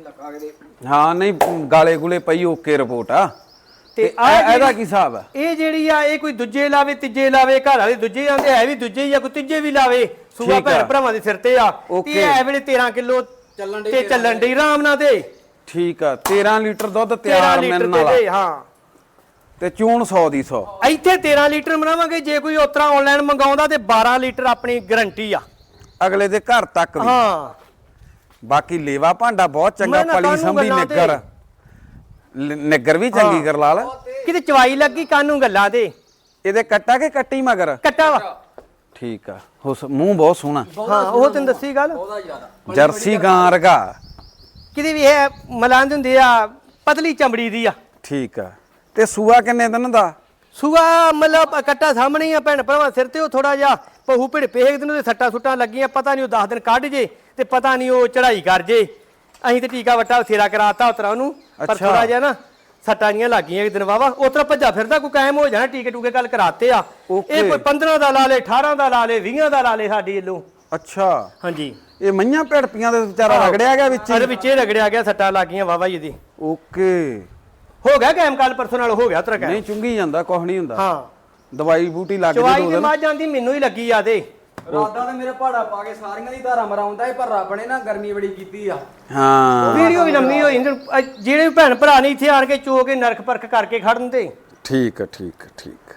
Speaker 2: ਹਾਂ ਨਹੀਂ ਗਾਲੇ ਗੁਲੇ ਪਈ ਓਕੇ ਰਿਪੋਰਟ ਆ।
Speaker 1: ਤੇ
Speaker 2: ਇਹਦਾ ਕੀ ਹਿਸਾਬ ਆ?
Speaker 1: ਇਹ ਜਿਹੜੀ ਆ ਇਹ ਕੋਈ ਦੂਜੇ ਲਾਵੇ ਤੀਜੇ ਲਾਵੇ। ਘਰ ਵਾਲੇ ਦੂਜੇ ਆਂਦੇ ਹੈ ਵੀ ਦੂਜੇ ਹੀ ਆ, ਕੋਈ ਤੀਜੇ ਵੀ ਲਾਵੇ। ਸੂਆ ਭੈਣ ਭਰਾਵਾਂ ਦੇ ਸਿਰ ਤੇ ਆ। ਤੇ ਇਹ ਵੇਲੇ 13 ਕਿਲੋ ਤੇ ਚੱਲਣ ਡਈ ਆਰਾਮ ਨਾਲ ਤੇ।
Speaker 2: ਠੀਕ ਆ 13 ਲੀਟਰ ਦੁੱਧ
Speaker 1: 13
Speaker 2: ਤਿਆਰ
Speaker 1: ਲੀਟਰ
Speaker 2: ਮਿਲਣ ਵਾਲਾ।
Speaker 1: ਤੇ ਹਾਂ
Speaker 2: ਤੇ ਚੂਣ 100 ਦੀ 100।
Speaker 1: ਇੱਥੇ 13 ਲੀਟਰ ਬਣਾਵਾਂਗੇ। ਜੇ ਕੋਈ ਉਤਰਾ ਆਨਲਾਈਨ ਮੰਗਾਉਂਦਾ ਤੇ 12 ਲੀਟਰ ਆਪਣੀ ਗਾਰੰਟੀ ਆ
Speaker 2: ਅਗਲੇ ਦੇ ਘਰ ਤੱਕ ਵੀ।
Speaker 1: ਹਾਂ
Speaker 2: ਬਾਕੀ ਲੇਵਾ ਭਾਂਡਾ ਬਹੁਤ ਚੰਗਾ।
Speaker 1: ਮੈਂ ਨਾ
Speaker 2: ਪਲੀ
Speaker 1: ਕਾਹਨੂੰ
Speaker 2: ਸੰਭੀ
Speaker 1: ਗੱਲਾਂ
Speaker 2: ਨਿੱਗਰ ਨਿੱਗਰ ਵੀ ਚੰਗੀ ਕਰ ਲਾਲ।
Speaker 1: ਕਿਤੇ ਚਵਾਈ ਲੱਗੀ ਕਾਨੂੰ ਗੱਲਾਂ ਤੇ।
Speaker 2: ਇਹਦੇ ਕੱਟਾ ਕਿ ਕੱਟੀ ਮਗਰ?
Speaker 1: ਕੱਟਾ ਵਾ।
Speaker 2: ਠੀਕ ਆ ਮੂੰਹ ਬਹੁਤ ਸੋਹਣਾ।
Speaker 1: ਹਾਂ ਉਹ ਤੈਨੂੰ ਦੱਸੀ ਗੱਲ।
Speaker 2: ਜਰਸੀ ਗਾਂ ਰਗਾ
Speaker 1: ਕਿਤੇ ਵੀ ਇਹ ਮਲਾਂਦ ਹੁੰਦੇ ਆ ਪਤਲੀ ਚਮੜੀ ਦੀ ਆ।
Speaker 2: ਠੀਕ ਆ ਤੇ ਸੂਆ ਕਿੰਨੇ ਦਿਨ ਦਾ?
Speaker 1: ਸੂਆ ਮਤਲਬ ਕੱਟਾ ਸਾਹਮਣੇ ਹੀ ਆ ਭੈਣ ਭਰਾਵਾਂ ਸਿਰ ਤੇ। ਉਹ ਥੋੜਾ ਜਿਹਾ ਪਹੂ ਭਿੜ ਪੇਖ ਦਿਨ ਉਹਦੇ ਸੱਟਾਂ ਸੁੱਟਾਂ ਲੱਗੀਆਂ। ਪਤਾ ਨਹੀਂ ਉਹ 10 ਦਿਨ ਕੱਢ ਜੇ ਤੇ ਪਤਾ ਨਹੀਂ ਉਹ ਚੜਾਈ ਕਰ ਜੇ। ਅਸੀਂ ਤੇ ਟੀਕਾ ਵੱਟਾ ਫੇਰਾ ਕਰਾਤਾ ਉਤਰਾ ਉਹਨੂੰ। ਪਰ ਥੋੜਾ ਜਿਹਾ ਨਾ ਸੱਟਾਂ ਜੀਆਂ ਲੱਗੀਆਂ ਇੱਕ ਦਿਨ ਵਾਵਾ। ਉਤਰਾ ਭੱਜਾ ਫਿਰਦਾ ਕੋਈ ਕਾਇਮ ਹੋ ਜਾਣਾ। ਟੀਕੇ ਟੂਕੇ ਗੱਲ ਕਰਾਤੇ ਆ। ਇਹ ਕੋਈ 15 ਦਾ ਲਾ ਲੇ 18 ਦਾ ਲਾ ਲੇ 20 ਦਾ ਲਾ ਲੇ ਸਾਡੀ ਵੱਲੋਂ।
Speaker 2: ਅੱਛਾ
Speaker 1: ਹਾਂਜੀ
Speaker 2: ਇਹ ਮਈਆਂ ਭੜਪੀਆਂ ਦੇ ਵਿਚਾਰਾ ਰਗੜਿਆ ਗਿਆ ਵਿੱਚ।
Speaker 1: ਅਰੇ ਵਿੱਚੇ ਰਗੜਿਆ ਗਿਆ। ਸੱਟਾਂ ਲੱਗੀਆਂ ਵਾਵਾ ਇਹਦੀ।
Speaker 2: ਓਕੇ
Speaker 1: ਹੋ ਗਿਆ ਕਾਇਮ ਕੱਲ ਪਰਸੋਂ ਨਾਲ ਹੋ ਗਿਆ ਤੇਰਾ ਕਾਇਮ।
Speaker 2: ਨਹੀਂ ਚੁੰਗੀ ਜਾਂਦਾ ਕੁਝ ਨਹੀਂ ਹੁੰਦਾ।
Speaker 1: ਹਾਂ
Speaker 2: ਦਵਾਈ ਬੂਟੀ ਲੱਗ
Speaker 1: ਚਵਾਈ
Speaker 2: ਜੇ
Speaker 1: ਤੇ ਮੱਝ ਜਾਂਦੀ ਮੈਨੂੰ ਹੀ ਲੱਗੀ ਆ ਤੇ।
Speaker 3: ਰਾਦਾ ਤੇ ਮੇਰੇ ਪਹਾੜਾ ਪਾ ਕੇ ਸਾਰੀਆਂ ਦੀ ਧਾਰਾ ਮਰਾਉਂਦਾ ਏ, ਪਰ ਰੱਬ ਨੇ ਨਾ ਗਰਮੀ ਬੜੀ ਕੀਤੀ ਆ।
Speaker 2: ਹਾਂ
Speaker 1: ਵੀਡੀਓ ਵੀ ਲੰਮੀ ਹੋਈ ਜਿਹੜੇ ਭੈਣ ਭਰਾ ਨਹੀਂ ਇੱਥੇ ਆਣ ਕੇ ਚੋ ਕੇ ਨਰਕ ਪਰਖ ਕਰਕੇ ਖੜਨ ਤੇ
Speaker 2: ਠੀਕ ਆ ਠੀਕ ਆ ਠੀਕ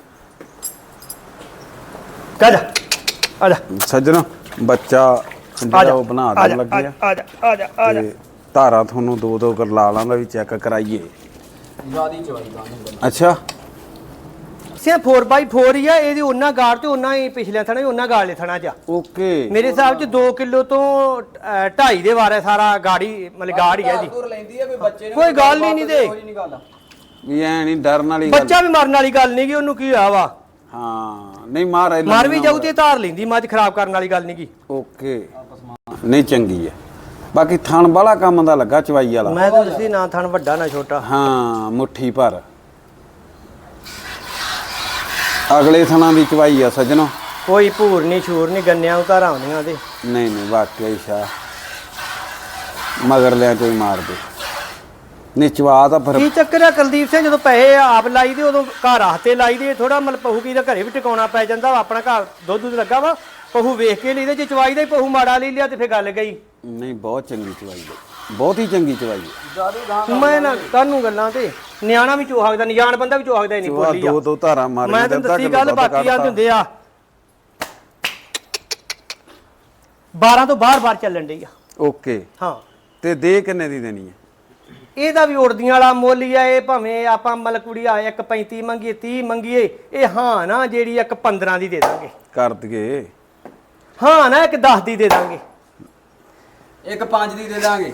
Speaker 1: ਕਹ ਜਾ ਆ ਜਾ
Speaker 2: ਸੱਜਣੋ ਬੱਚਾ ਜਿਹੜਾ ਉਹ ਬਣਾ ਦੇਣ ਲੱਗੇ ਆ
Speaker 1: ਆ ਜਾ ਆ ਜਾ ਆ ਜਾ
Speaker 2: ਤੇ ਧਾਰਾ ਤੁਹਾਨੂੰ ਦੋ ਦੋ ਗਰਲਾਲਾਂ ਦਾ ਵੀ ਚੈੱਕ ਕਰਾਈਏ।
Speaker 3: ਜਿਆਦੀ ਚਵਾਈ ਦਾ
Speaker 2: ਅੱਛਾ
Speaker 1: ਸੇ 4x4 ਹੀ ਆ ਇਹਦੀ ਉਹਨਾਂ ਗਾੜ ਤੇ ਉਹਨਾਂ ਹੀ ਪਿਛਲੇ ਥਣਾ ਹੀ ਉਹਨਾਂ ਗਾੜਲੇ ਥਣਾ ਚ
Speaker 2: ਓਕੇ
Speaker 1: ਮੇਰੇ ਹਿਸਾਬ ਚ 2 ਕਿਲੋ ਤੋਂ 2.5 ਦੇ ਵਾਰੇ ਸਾਰਾ ਗਾੜੀ ਮਤਲਬ ਗਾੜ ਹੀ ਹੈ ਜੀ।
Speaker 3: ਲੈਂਦੀ ਆ ਕੋਈ ਬੱਚੇ ਨੇ
Speaker 1: ਕੋਈ ਗੱਲ ਹੀ ਨਹੀਂ ਤੇ
Speaker 2: ਵੀ ਐ ਨਹੀਂ ਡਰਨ ਵਾਲੀ ਗੱਲ
Speaker 1: ਬੱਚਾ ਵੀ ਮਰਨ ਵਾਲੀ ਗੱਲ ਨਹੀਂ ਗੀ ਉਹਨੂੰ ਕੀ ਹੋਇਆ ਵਾ
Speaker 2: ਹਾਂ ਨਹੀਂ ਮਾਰ
Speaker 1: ਮਰ ਵੀ ਜਾਊ ਤੇ ਧਾਰ ਲੈਂਦੀ ਮੱਝ ਖਰਾਬ ਕਰਨ ਵਾਲੀ ਗੱਲ ਨਹੀਂ ਗੀ।
Speaker 2: ਓਕੇ ਨਹੀਂ ਚੰਗੀ ਹੈ ਬਾਕੀ ਥਣ ਵਾਲਾ ਕੰਮ ਦਾ ਲੱਗਾ ਚਵਾਈ ਵਾਲਾ
Speaker 1: ਮੈਂ ਤਾਂ ਦੱਸੀ ਨਾ ਥਣ ਵੱਡਾ ਨਾ ਛੋਟਾ
Speaker 2: ਹਾਂ ਮੁੱਠੀ ਭਰ ਅਗਲੇ ਥਣਾਂ ਦੀ ਚਵਾਈ ਆ ਸੱਜਣੋ
Speaker 1: ਕੋਈ ਭੂਰ ਨਹੀਂ ਛੂਰ ਨਹੀਂ ਗੰਨਿਆਂ ਉਤਾਰਾਂ ਆਉਂਦੀਆਂ ਤੇ
Speaker 2: ਨਹੀਂ ਨਹੀਂ ਵਾਕਿਆ ਹੀ ਸ਼ਾ ਮਗਰ ਲਿਆ ਕੋਈ ਮਾਰ ਦੇ ਨਹੀਂ ਚਵਾ ਤਾਂ ਫਿਰ
Speaker 1: ਕੀ ਚੱਕਰ ਆ ਕੁਲਦੀਪ ਸਿੰਘ ਜਦੋਂ ਪੈਸੇ ਆਪ ਲਾਈ ਦੇ ਉਦੋਂ ਘਰ ਹੱਥੇ ਲਾਈ ਦੇ ਥੋੜਾ ਮਤਲਬ ਪਹੂ ਕੀ ਦਾ ਘਰੇ ਵੀ ਟਿਕਾਉਣਾ ਪੈ ਜਾਂਦਾ ਵਾ ਆਪਣਾ ਘਰ ਦੁੱਧ ਲੱਗਾ ਵਾ ਪਹੂ ਵੇਖ ਕੇ ਲਈਦੇ ਜੇ ਚਵਾਈ ਦਾ ਹੀ ਪਹੂ ਮਾੜਾ ਲਈ ਲਿਆ ਤੇ ਫੇਰ ਗੱਲ ਗਈ।
Speaker 2: ਨਹੀਂ ਬਹੁਤ ਚੰਗੀ ਚਵਾਈ ਹੈ ਬਹੁਤ ਹੀ ਚੰਗੀ ਚਵਾਈ ਹੈ
Speaker 1: ਮੈਂ ਨਾ ਕਾਹਨੂੰ ਗੱਲਾਂ ਤੇ ਨਿਆਣਾ ਵੀ ਚੋ ਸਕਦਾ ਨਿਆਣ ਬੰਦਾ ਵੀ ਚੋ ਸਕਦਾ ਨਹੀਂ
Speaker 2: ਚਵਾ
Speaker 1: ਬੋਲੀ ਆ
Speaker 2: ਦੋ ਦੋ ਧਾਰਾਂ ਮਾਰ
Speaker 1: ਮੈਂ ਤੈਨੂੰ ਦੱਸੀ ਗੱਲ ਬਾਕੀ ਆ ਹੁੰਦੇ ਆ 12 ਤੋਂ ਬਾਹਰ ਚੱਲਣ ਡਈ ਆ।
Speaker 2: ਓਕੇ
Speaker 1: ਹਾਂ
Speaker 2: ਤੇ ਦੇ ਕਿੰਨੇ ਦੀ ਦੇਣੀ ਹੈ
Speaker 1: ਇਹਦਾ ਵੀ ਉੜਦੀਆਂ ਵਾਲਾ ਮੁੱਲ ਹੀ ਆ ਇਹ ਭਾਵੇਂ ਆਪਾਂ ਮਤਲਬ ਕੁੜੀ ਆ 1.35 ਮੰਗੀਏ 30 ਮੰਗੀਏ ਇਹ ਹਾਂ ਨਾ ਜਿਹੜੀ 1.15 ਦੀ ਦੇ ਦਾਂਗੇ
Speaker 2: ਕਰ ਦਈਏ
Speaker 1: ਹਾਂ ਨਾ 1.10 ਦੀ ਦੇ ਦਾਂਗੇ
Speaker 3: 1.5 ਦੀ ਦੇ ਦਾਂਗੇ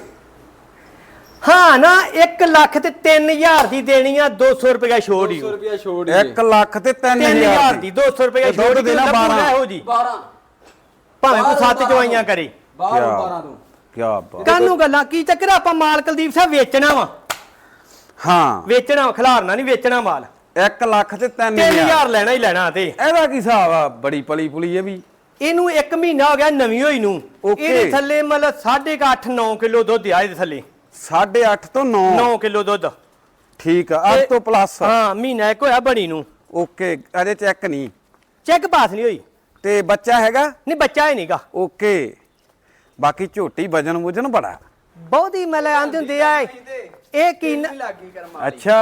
Speaker 1: ਹਾਂ ਨਾ 1 ਲੱਖ ਤੇ 3000 ਦੀ ਦੇਣੀ ਆ 200 ਰੁਪਏ ਛੋੜ ਹੀ
Speaker 3: 200 ਰੁਪਿਆ ਛੋੜ
Speaker 2: 1 ਲੱਖ ਤੇ
Speaker 1: 3000
Speaker 2: 3000
Speaker 1: ਦੀ 200 ਰੁਪਏ ਛੋੜ
Speaker 2: ਦੇਣਾ 12
Speaker 1: ਇਹੋ ਜੀ
Speaker 3: 12
Speaker 1: ਭਾਵੇਂ ਕੋਈ 7 ਚਵਾਈਆਂ ਕਰੇ
Speaker 3: 12 ਤੋਂ
Speaker 2: ਕੀ ਬਾਤ
Speaker 1: ਕਾਹਨੂੰ ਗੱਲਾਂ ਕੀ ਚੱਕਰ ਆ, ਆਪਾਂ ਮਾਲ ਕੁਲਦੀਪ ਸਾਹਿਬ ਵੇਚਣਾ ਵਾ
Speaker 2: ਹਾਂ
Speaker 1: ਵੇਚਣਾ ਖਿਲਾਰਨਾ ਨਹੀਂ ਵੇਚਣਾ ਮਾਲ
Speaker 2: 1 ਲੱਖ ਤੇ 3000
Speaker 1: 3000 ਲੈਣਾ ਹੀ ਲੈਣਾ ਤੇ
Speaker 2: ਇਹਦਾ ਕੀ ਹਿਸਾਬ ਆ ਬੜੀ ਪਲੀ ਪੁਲੀ ਇਹ ਵੀ
Speaker 1: ਇਹਨੂੰ 1 ਮਹੀਨਾ ਹੋ ਗਿਆ ਨਵੀਂ ਹੋਈ ਨੂੰ
Speaker 2: Okay.
Speaker 1: ਇਹਦੇ ਥੱਲੇ ਮਤਲਬ 8.5 9 ਕਿਲੋ ਦੁੱਧ ਆ ਇਹਦੇ ਥੱਲੇ
Speaker 2: 8.5 ਤੋਂ 9
Speaker 1: 9 ਕਿਲੋ ਦੁੱਧ
Speaker 2: ਠੀਕ ਆ 8 ਤੋਂ ਪਲੱਸ
Speaker 1: ਹਾਂ ਮਹੀਨਾ ਇੱਕ ਹੋਇਆ ਬਣੀ ਨੂੰ
Speaker 2: ਓਕੇ ਅਜੇ ਚੈੱਕ ਨਹੀਂ
Speaker 1: ਚੈੱਕ ਪਾਸ ਨਹੀਂ ਹੋਈ
Speaker 2: ਤੇ ਬੱਚਾ ਹੈਗਾ
Speaker 1: ਨਹੀਂ ਬੱਚਾ ਹੀ ਨਹੀਂਗਾ
Speaker 2: ਓਕੇ ਬਾਕੀ ਝੋਟੀ ਵਜਨ ਵੁਜਨ ਬੜਾ
Speaker 1: ਬਹੁਤ ਹੀ ਮਤਲਬ ਆਂਦੇ ਹੁੰਦੇ ਆ ਇਹ ਕੀ
Speaker 3: ਲੱਗੀ ਕਰਮਾ
Speaker 2: ਅੱਛਾ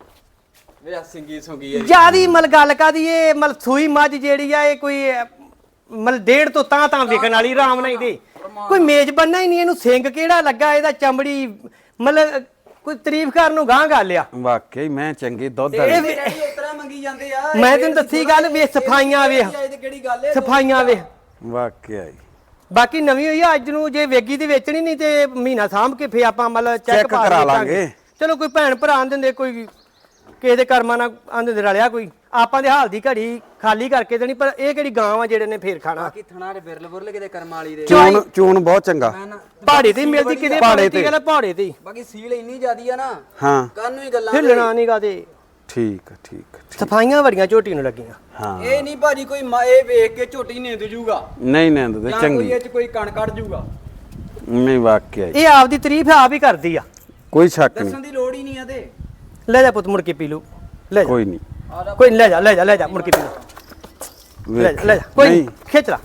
Speaker 3: ਵੇ ਸਿੰਗੀ ਸੁੰਗੀ
Speaker 1: ਜਿਆਦੀ ਮਲ ਗੱਲ ਕਾਦੀ ਇਹ ਮਲ ਸੂਈ ਮੱਝ ਜਿਹੜੀ ਆ ਇਹ ਕੋਈ ਮਲ 1.5 ਤੋਂ ਤਾਂ ਵਿਕਣ ਵਾਲੀ ਆਰਾਮ ਨਾਲ ਦੇ ਕੋਈ ਮੇਜ਼ ਬੰਨਾ ਹੀ ਨਹੀਂ ਇਹਨੂੰ ਸਿੰਗ ਕਿਹੜਾ ਲੱਗਾ ਇਹਦਾ ਚਮੜੀ ਮਤਲਬ ਕੋਈ ਤਾਰੀਫ ਕਰਨ ਨੂੰ ਗਾਂ ਗੱਲ ਆ
Speaker 2: ਵਾਕਈ ਮੈਂ ਚੰਗੇ ਦੁੱਧ
Speaker 3: ਇਹ ਉਤਰਾ ਮੰਗੀ ਜਾਂਦੇ ਆ
Speaker 1: ਮੈਂ ਤੈਨੂੰ ਦੱਸੀ ਗੱਲ ਵੇ ਸਫਾਈਆਂ ਵੇ
Speaker 3: ਇਹ ਕਿਹੜੀ ਗੱਲ ਹੈ
Speaker 1: ਸਫਾਈਆਂ ਵੇ
Speaker 2: ਵਾਕਿਆ ਹੀ
Speaker 1: ਬਾਕੀ ਨਵੀਂ ਹੋਈ ਆ ਅੱਜ ਨੂੰ ਜੇ ਵੇਗੀ ਦੀ ਵੇਚਣੀ ਨਹੀਂ ਤੇ ਮਹੀਨਾ ਸਾਂਭ ਕੇ ਫੇ ਆਪਾਂ ਮਤਲਬ ਚੈੱਕ
Speaker 2: ਚੈੱਕ ਕਰਾ ਲਾਂਗੇ
Speaker 1: ਚਲੋ ਕੋਈ ਭੈਣ ਭਰਾ ਆਂਦੇ ਹੁੰਦੇ ਕੋਈ ਕਿਸੇ ਦੇ ਕਰਮਾਂ ਨਾਲ ਆਂਦੇ ਹੁੰਦੇ ਰਲਿਆ ਕੋਈ ਆਪਾਂ ਦੇ ਹਾਲ ਦੀ ਘੜੀ ਖਾਲੀ ਕਰਕੇ ਦੇਣੀ ਪਰ ਇਹ ਕਿਹੜੀ ਗਾਂ ਆ ਜਿਹੜੇ ਨੇ ਫੇਰ ਖਾਣਾ
Speaker 3: ਬਾਕੀ ਥਣਾ ਦੇ ਬਿਰਲ ਬੁਰਲ ਕਿਤੇ ਕਰਮ ਵਾਲੀ ਦੇ
Speaker 2: ਚੂਨ ਬਹੁਤ ਚੰਗਾ
Speaker 1: ਪਹਾੜੇ ਤੇ ਮਿਲਦੀ ਕਿਤੇ ਪਹਾੜੇ ਤੇ ਗੱਲ ਪਹਾੜੇ ਤੇ
Speaker 3: ਬਾਕੀ ਸੀਲ ਇੰਨੀ ਜ਼ਿਆਦੀ ਆ ਨਾ
Speaker 2: ਹਾਂ
Speaker 3: ਕੰਨ ਨੂੰ ਹੀ ਗੱਲਾਂ
Speaker 1: ਹਿੱਲਣਾ ਨਹੀਂਗਾ ਤੇ
Speaker 2: ਠੀਕ ਠੀਕ
Speaker 1: ਸਫਾਈਆਂ ਬੜੀਆਂ ਝੋਟੀ ਨੂੰ ਲੱਗੀਆਂ
Speaker 2: ਹਾਂ
Speaker 3: ਇਹ ਨਹੀਂ ਭਾਜੀ ਕੋਈ ਇਹ ਵੇਖ ਕੇ ਝੋਟੀ ਨਿੰਦ ਜੂਗਾ
Speaker 2: ਨਹੀਂ ਨੰਦ ਤੇ
Speaker 3: ਜਾਂ ਕੋਈ
Speaker 2: ਚੰਗੀ
Speaker 3: ਇਹ ਚ ਕੋਈ ਕਣ ਕੱਢ ਜੂਗਾ
Speaker 2: ਨਹੀਂ ਵਾਕਿਆ ਹੀ
Speaker 1: ਇਹ ਆਪਦੀ ਤਾਰੀਫ ਆਪ ਹੀ ਕਰਦੀ ਆ
Speaker 2: ਕੋਈ ਸ਼ੱਕ ਨਹੀਂ
Speaker 3: ਦੱਸਣ ਦੀ ਲੋੜ ਹੀ ਨਹੀਂ ਆ ਤੇ
Speaker 1: ਲੈ ਜਾ ਪੁੱਤ ਮੁੜ ਕੇ ਪੀ ਲੂ ਲੈ ਜਾ
Speaker 2: ਕੋਈ ਨਹੀਂ
Speaker 1: ਕੋਈ ਨੀ, ਲੈ ਜਾ ਮੁੜ ਕੇ ਪੀ ਲੂ ਲੈ ਜਾ ਕੋਈ ਨੀ, ਖਿੱਚ ਲਾ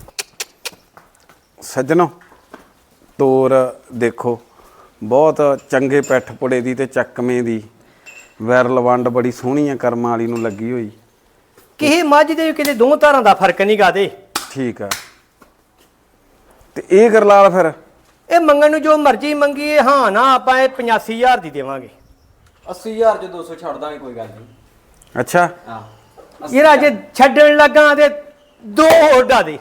Speaker 2: ਸੱਜਣੋ ਤੋਰ ਦੇਖੋ ਬਹੁਤ ਚੰਗੇ ਪੈਠ ਪੁੜੇ ਦੀ ਤੇ ਚੱਕਵੇਂ ਦੀ ਵੈਰਲ ਵੰਡ ਬੜੀ ਸੋਹਣੀ ਆ ਕਰਮਾਂ ਵਾਲੀ ਨੂੰ ਲੱਗੀ ਹੋਈ
Speaker 1: ਕਿਸੇ ਮੱਝ ਦੇ ਕਿਤੇ ਦੋ ਧਾਰਾਂ ਦਾ ਫਰਕ ਨਹੀਂ ਗਾ ਦੇ
Speaker 2: ਠੀਕ ਆ ਤੇ ਇਹ ਗਰਲਾਲ ਫਿਰ
Speaker 1: ਇਹ ਮੰਗਣ ਨੂੰ ਜੋ ਮਰਜ਼ੀ ਮੰਗੀਏ ਹਾਂ ਨਾ ਆਪਾਂ ਇਹ 85000 ਦੀ ਦੇਵਾਂਗੇ
Speaker 3: 80000 ਚ 200 ਛੱਡ ਦਾਂਗੇ ਕੋਈ ਗੱਲ ਨਹੀਂ
Speaker 2: ਅੱਛਾ
Speaker 3: ਹਾਂ
Speaker 1: ਇਹ ਅੱਜ ਛੱਡਣ ਲੱਗਾ ਤੇ ਦੋ ਹੋਡਾ ਦੇ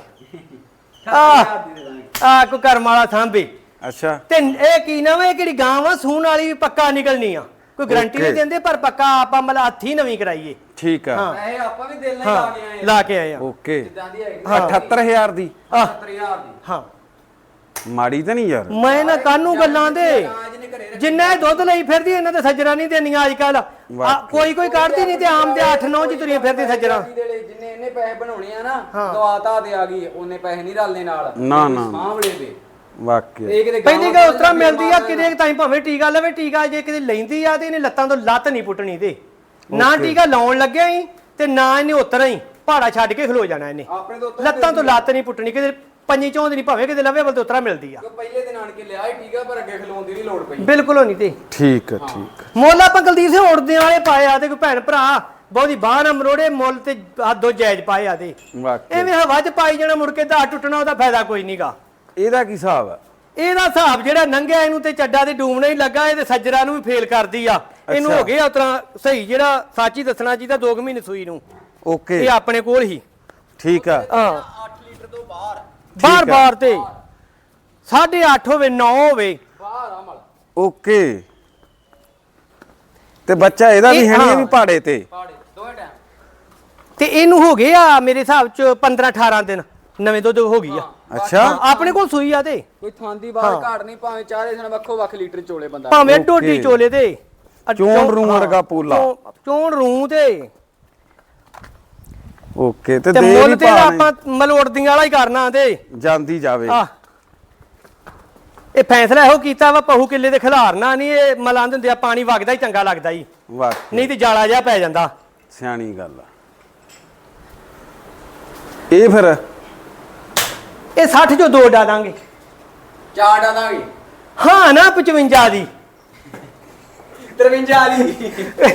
Speaker 1: ਆ ਕੋ ਕਰਮ ਵਾਲਾ ਸਾਂਭੇ
Speaker 2: ਅੱਛਾ
Speaker 1: ਤੇ ਇਹ ਕੀ ਨਾ ਵੇ ਕਿਹੜੀ ਗਾਂ ਵਾ ਸੂਣ ਵਾਲੀ ਵੀ ਪੱਕਾ ਨਿਕਲਣੀ ਆ ਕੋਈ ਗਾਰੰਟੀ ਨਹੀਂ ਦਿੰਦੇ ਪਰ ਪੱਕਾ ਆਪਾਂ ਮਤਲਬ ਹੱਥੀ ਨਵੀਂ ਕਰਾਈਏ
Speaker 2: ਠੀਕ ਆ
Speaker 3: ਇਹ ਆਪਾਂ ਵੀ ਦਿਲ ਨਾਲ ਲਾ ਕੇ ਆਏ
Speaker 1: ਲਾ ਕੇ ਆਏ ਆ
Speaker 2: ਓਕੇ
Speaker 3: ਜਿੱਦਾਂ ਦੀ ਹੈਗੀ
Speaker 2: 78000 ਦੀ
Speaker 3: 70000 ਦੀ
Speaker 1: ਹਾਂ
Speaker 2: ਮਾੜੀ ਤਾਂ ਨਹੀਂ ਯਾਰ
Speaker 1: ਮੈਂ ਨਾ ਕਾਨੂੰ ਗੱਲਾਂ ਦੇ
Speaker 3: ਜਿਹਨੇ ਘਰੇ
Speaker 1: ਜਿੰਨਾ ਇਹ ਦੁੱਧ ਲਈ ਫਿਰਦੀ ਇਹਨਾਂ ਤੇ ਸੱਜਣਾ ਨਹੀਂ ਦੇਣੀਆਂ ਅੱਜ ਕੱਲ ਕੋਈ ਕੱਢਦੀ ਨਹੀਂ ਤੇ ਆਮ ਤੇ 8-9 ਚ ਤੁਰੀਆਂ ਫਿਰਦੀ ਸੱਜਣਾ
Speaker 3: ਜਿੰਨੇ ਇਹਨੇ ਪੈਸੇ ਬਣਾਉਣੇ ਆ ਨਾ ਦਵਾਤਾ ਤੇ ਆ ਗਈ ਉਹਨੇ ਪੈਸੇ ਨਹੀਂ ਰਲਨੇ ਨਾਲ
Speaker 2: ਨਾ ਨਾ
Speaker 3: ਸਾਂਭਲੇ ਦੇ
Speaker 2: ਵਾਕਿਆ
Speaker 3: ਇਹ ਕਿਤੇ
Speaker 1: ਪਹਿਲੀ ਗੱਲ ਉਸ ਤਰ੍ਹਾਂ ਮਿਲਦੀ ਆ ਕਿਤੇ ਤਾਈਂ ਭਾਵੇਂ ਟੀਕਾ ਲਵੇ ਟੀਕਾ ਜੇ ਕਿਤੇ ਲੈਂਦੀ ਆ ਤੇ ਇਹਨੇ ਲੱਤਾਂ ਤੋਂ ਲੱਤ ਨਹੀਂ ਪੁੱਟਣੀ ਤੇ ਨਾ ਟੀਕਾ ਲਾਉਣ ਲੱਗਿਆ ਹੀ ਤੇ ਨਾ ਇਹਨੇ ਉਤਰਾ ਹੀ ਪਹਾੜਾ ਛੱਡ ਕੇ ਖਲੋ ਜਾਣਾ ਇਹਨੇ।
Speaker 3: ਆਪਣੇ ਤੋਂ
Speaker 1: ਲੱਤਾਂ ਤੋਂ ਲੱਤ ਨਹੀਂ ਪੁੱਟਣੀ, ਕਿਤੇ ਪੰਜੀ ਚੌਂਦ ਨਹੀਂ, ਭਾਵੇਂ ਕਿਤੇ ਲਵੇ ਬਲ ਤੇ ਉਤਰਾ ਮਿਲਦੀ ਆ।
Speaker 3: ਪਹਿਲੇ ਦਿਨ ਆਣ ਕੇ ਲਿਆ ਹੀ ਠੀਕ ਆ, ਪਰ ਅੱਗੇ ਖਲੋਣ ਦੀ ਨਹੀਂ ਲੋੜ ਪਈ।
Speaker 1: ਬਿਲਕੁਲ ਹੋਣੀ ਤੇ
Speaker 2: ਠੀਕ ਆ ਠੀਕ ਆ।
Speaker 1: ਮੁੱਲ ਆਪਾਂ ਕੁਲਦੀਪ ਸਿੰਘ ਉੜਦੇ ਵਾਲੇ ਪਾਏ ਆ ਤੇ ਕੋਈ ਭੈਣ ਭਰਾ ਬਹੁਤੀ ਬਾਹ ਨਾ ਮਰੋੜੇ, ਮੁੱਲ ਤੇ ਹੱਦੋਂ ਜਾਇਜ਼ ਪਾਏ ਆ ਤੇ
Speaker 2: ਵਾਕਈ
Speaker 1: ਐਵੇਂ ਹਵਾ 'ਚ ਪਾਈ ਜਾਣਾ, ਮੁੜ ਕੇ ਦਾ ਟੁੱਟਣਾ, ਉਹਦਾ ਫਾਇਦਾ ਕੋਈ ਨਹੀਂਗਾ।
Speaker 2: ਇਹਦਾ ਕੀ ਹਿਸਾਬ ਆ?
Speaker 1: ਇਹਦਾ ਹਿਸਾਬ ਜਿਹੜਾ ਨੰਗਿਆ ਇਹਨੂੰ ਤੇ ਚੱਡਾ ਤੇ ਡੂਮਣਾ ਹੀ ਲੱਗਾ, ਇਹ ਤੇ ਸੱਜਰਾਂ ਨੂੰ ਵੀ ਫੇਲ ਕਰਦੀ ਆ। ਇਹਨੂੰ ਹੋ ਗਿਆ ਉਤਰਾ ਸਹੀ, ਜਿਹੜਾ ਸੱਚ ਹੀ ਦੱਸਣਾ ਚਾਹੀਦਾ 2 ਮਹੀਨੇ ਸੂਈ ਨੂੰ।
Speaker 2: ਓਕੇ
Speaker 1: ਇਹ ਆਪਣੇ ਕੋਲ ਹੀ
Speaker 2: ਠੀਕ ਆ।
Speaker 1: ਹਾਂ
Speaker 3: 8 ਲੀਟਰ ਤੋਂ ਬਾਹਰ
Speaker 1: ਬਾਰ ਤੇ 8.5 ਹੋਵੇ 9 ਹੋਵੇ
Speaker 3: ਬਾਹਰ ਆ ਮਲ
Speaker 2: ਓਕੇ। ਤੇ ਬੱਚਾ ਇਹਦਾ ਵੀ
Speaker 1: ਇਹ-
Speaker 2: ਹੈ ਨਹੀਂ, ਇਹ
Speaker 1: ਹਾਂ।
Speaker 2: ਵੀ ਪਹਾੜੇ ਤੇ?
Speaker 3: ਪਾੜੇ ਦੋਵੇਂ ਟਾਈਮ
Speaker 1: ਤੇ ਇਹਨੂੰ ਹੋ ਗਏ ਆ ਮੇਰੇ ਹਿਸਾਬ ਚ 15-18 ਦਿਨ ਨਵੇਂ ਦੁੱਧ ਹੋ ਗਈ ਆ।
Speaker 2: ਅੱਛਾ
Speaker 1: ਆਪਣੇ ਕੋਲ ਸੂਈ ਆ ਤੇ
Speaker 3: ਕੋਈ ਥਾਂ ਦੀ ਬਾਹਰ ਘਾਟ ਨਹੀਂ, ਭਾਵੇਂ ਚਾਰੇ ਸਣ ਵੱਖੋ ਵੱਖ ਲੀਟਰ ਚੋਲੇ ਬੰਦਾ।
Speaker 1: ਭਾਵੇਂ
Speaker 2: ਓਕੇ।
Speaker 1: ਡੋਡੀ ਚੋਲੇ ਤੇ
Speaker 2: ਚੋਣ ਰੂ ਵਰਗਾ ਪੋਲਾ।
Speaker 1: ਚੋਣ ਰੂ ਤੇ
Speaker 2: ਓਕੇ। ਤੇ
Speaker 1: ਤੇ
Speaker 2: ਦੇ
Speaker 1: ਮੁੱਲ
Speaker 2: ਵੀ
Speaker 1: ਤੇ
Speaker 2: ਭਾਅ
Speaker 1: ਆਪਾਂ ਮਲੋੜਦੀਆਂ ਵਾਲਾ ਹੀ ਕਰਨਾ ਤੇ
Speaker 2: ਜਾਂਦੀ ਜਾਵੇ।
Speaker 1: ਆ ਇਹ ਫੈਸਲਾ ਇਹੋ ਕੀਤਾ ਵਾ, ਪਹੂ ਕਿੱਲੇ ਦੇ ਖਿਲਾਰਨਾ ਨਹੀਂ। ਇਹ ਮਲਾਂ ਦਿੰਦੇ ਆ, ਪਾਣੀ ਵਗਦਾ ਹੀ ਚੰਗਾ ਲੱਗਦਾ ਹੀ,
Speaker 2: ਵਾਕਈ
Speaker 1: ਨਹੀਂ ਤੇ ਜਾਲਾ ਜਿਹਾ ਪੈ ਜਾਂਦਾ।
Speaker 2: ਸਿਆਣੀ ਗੱਲ ਆ ਇਹ। ਫਿਰ
Speaker 1: ਇਹ 60 ਚੋਂ 2 ਡਾ ਦਾਂਗੇ।
Speaker 3: ਚਾਰ ਡਾ ਦਾਂਗੇ।
Speaker 1: ਹਾਂ ਨਾ 55 ਦੀ
Speaker 3: 53 ਦੀ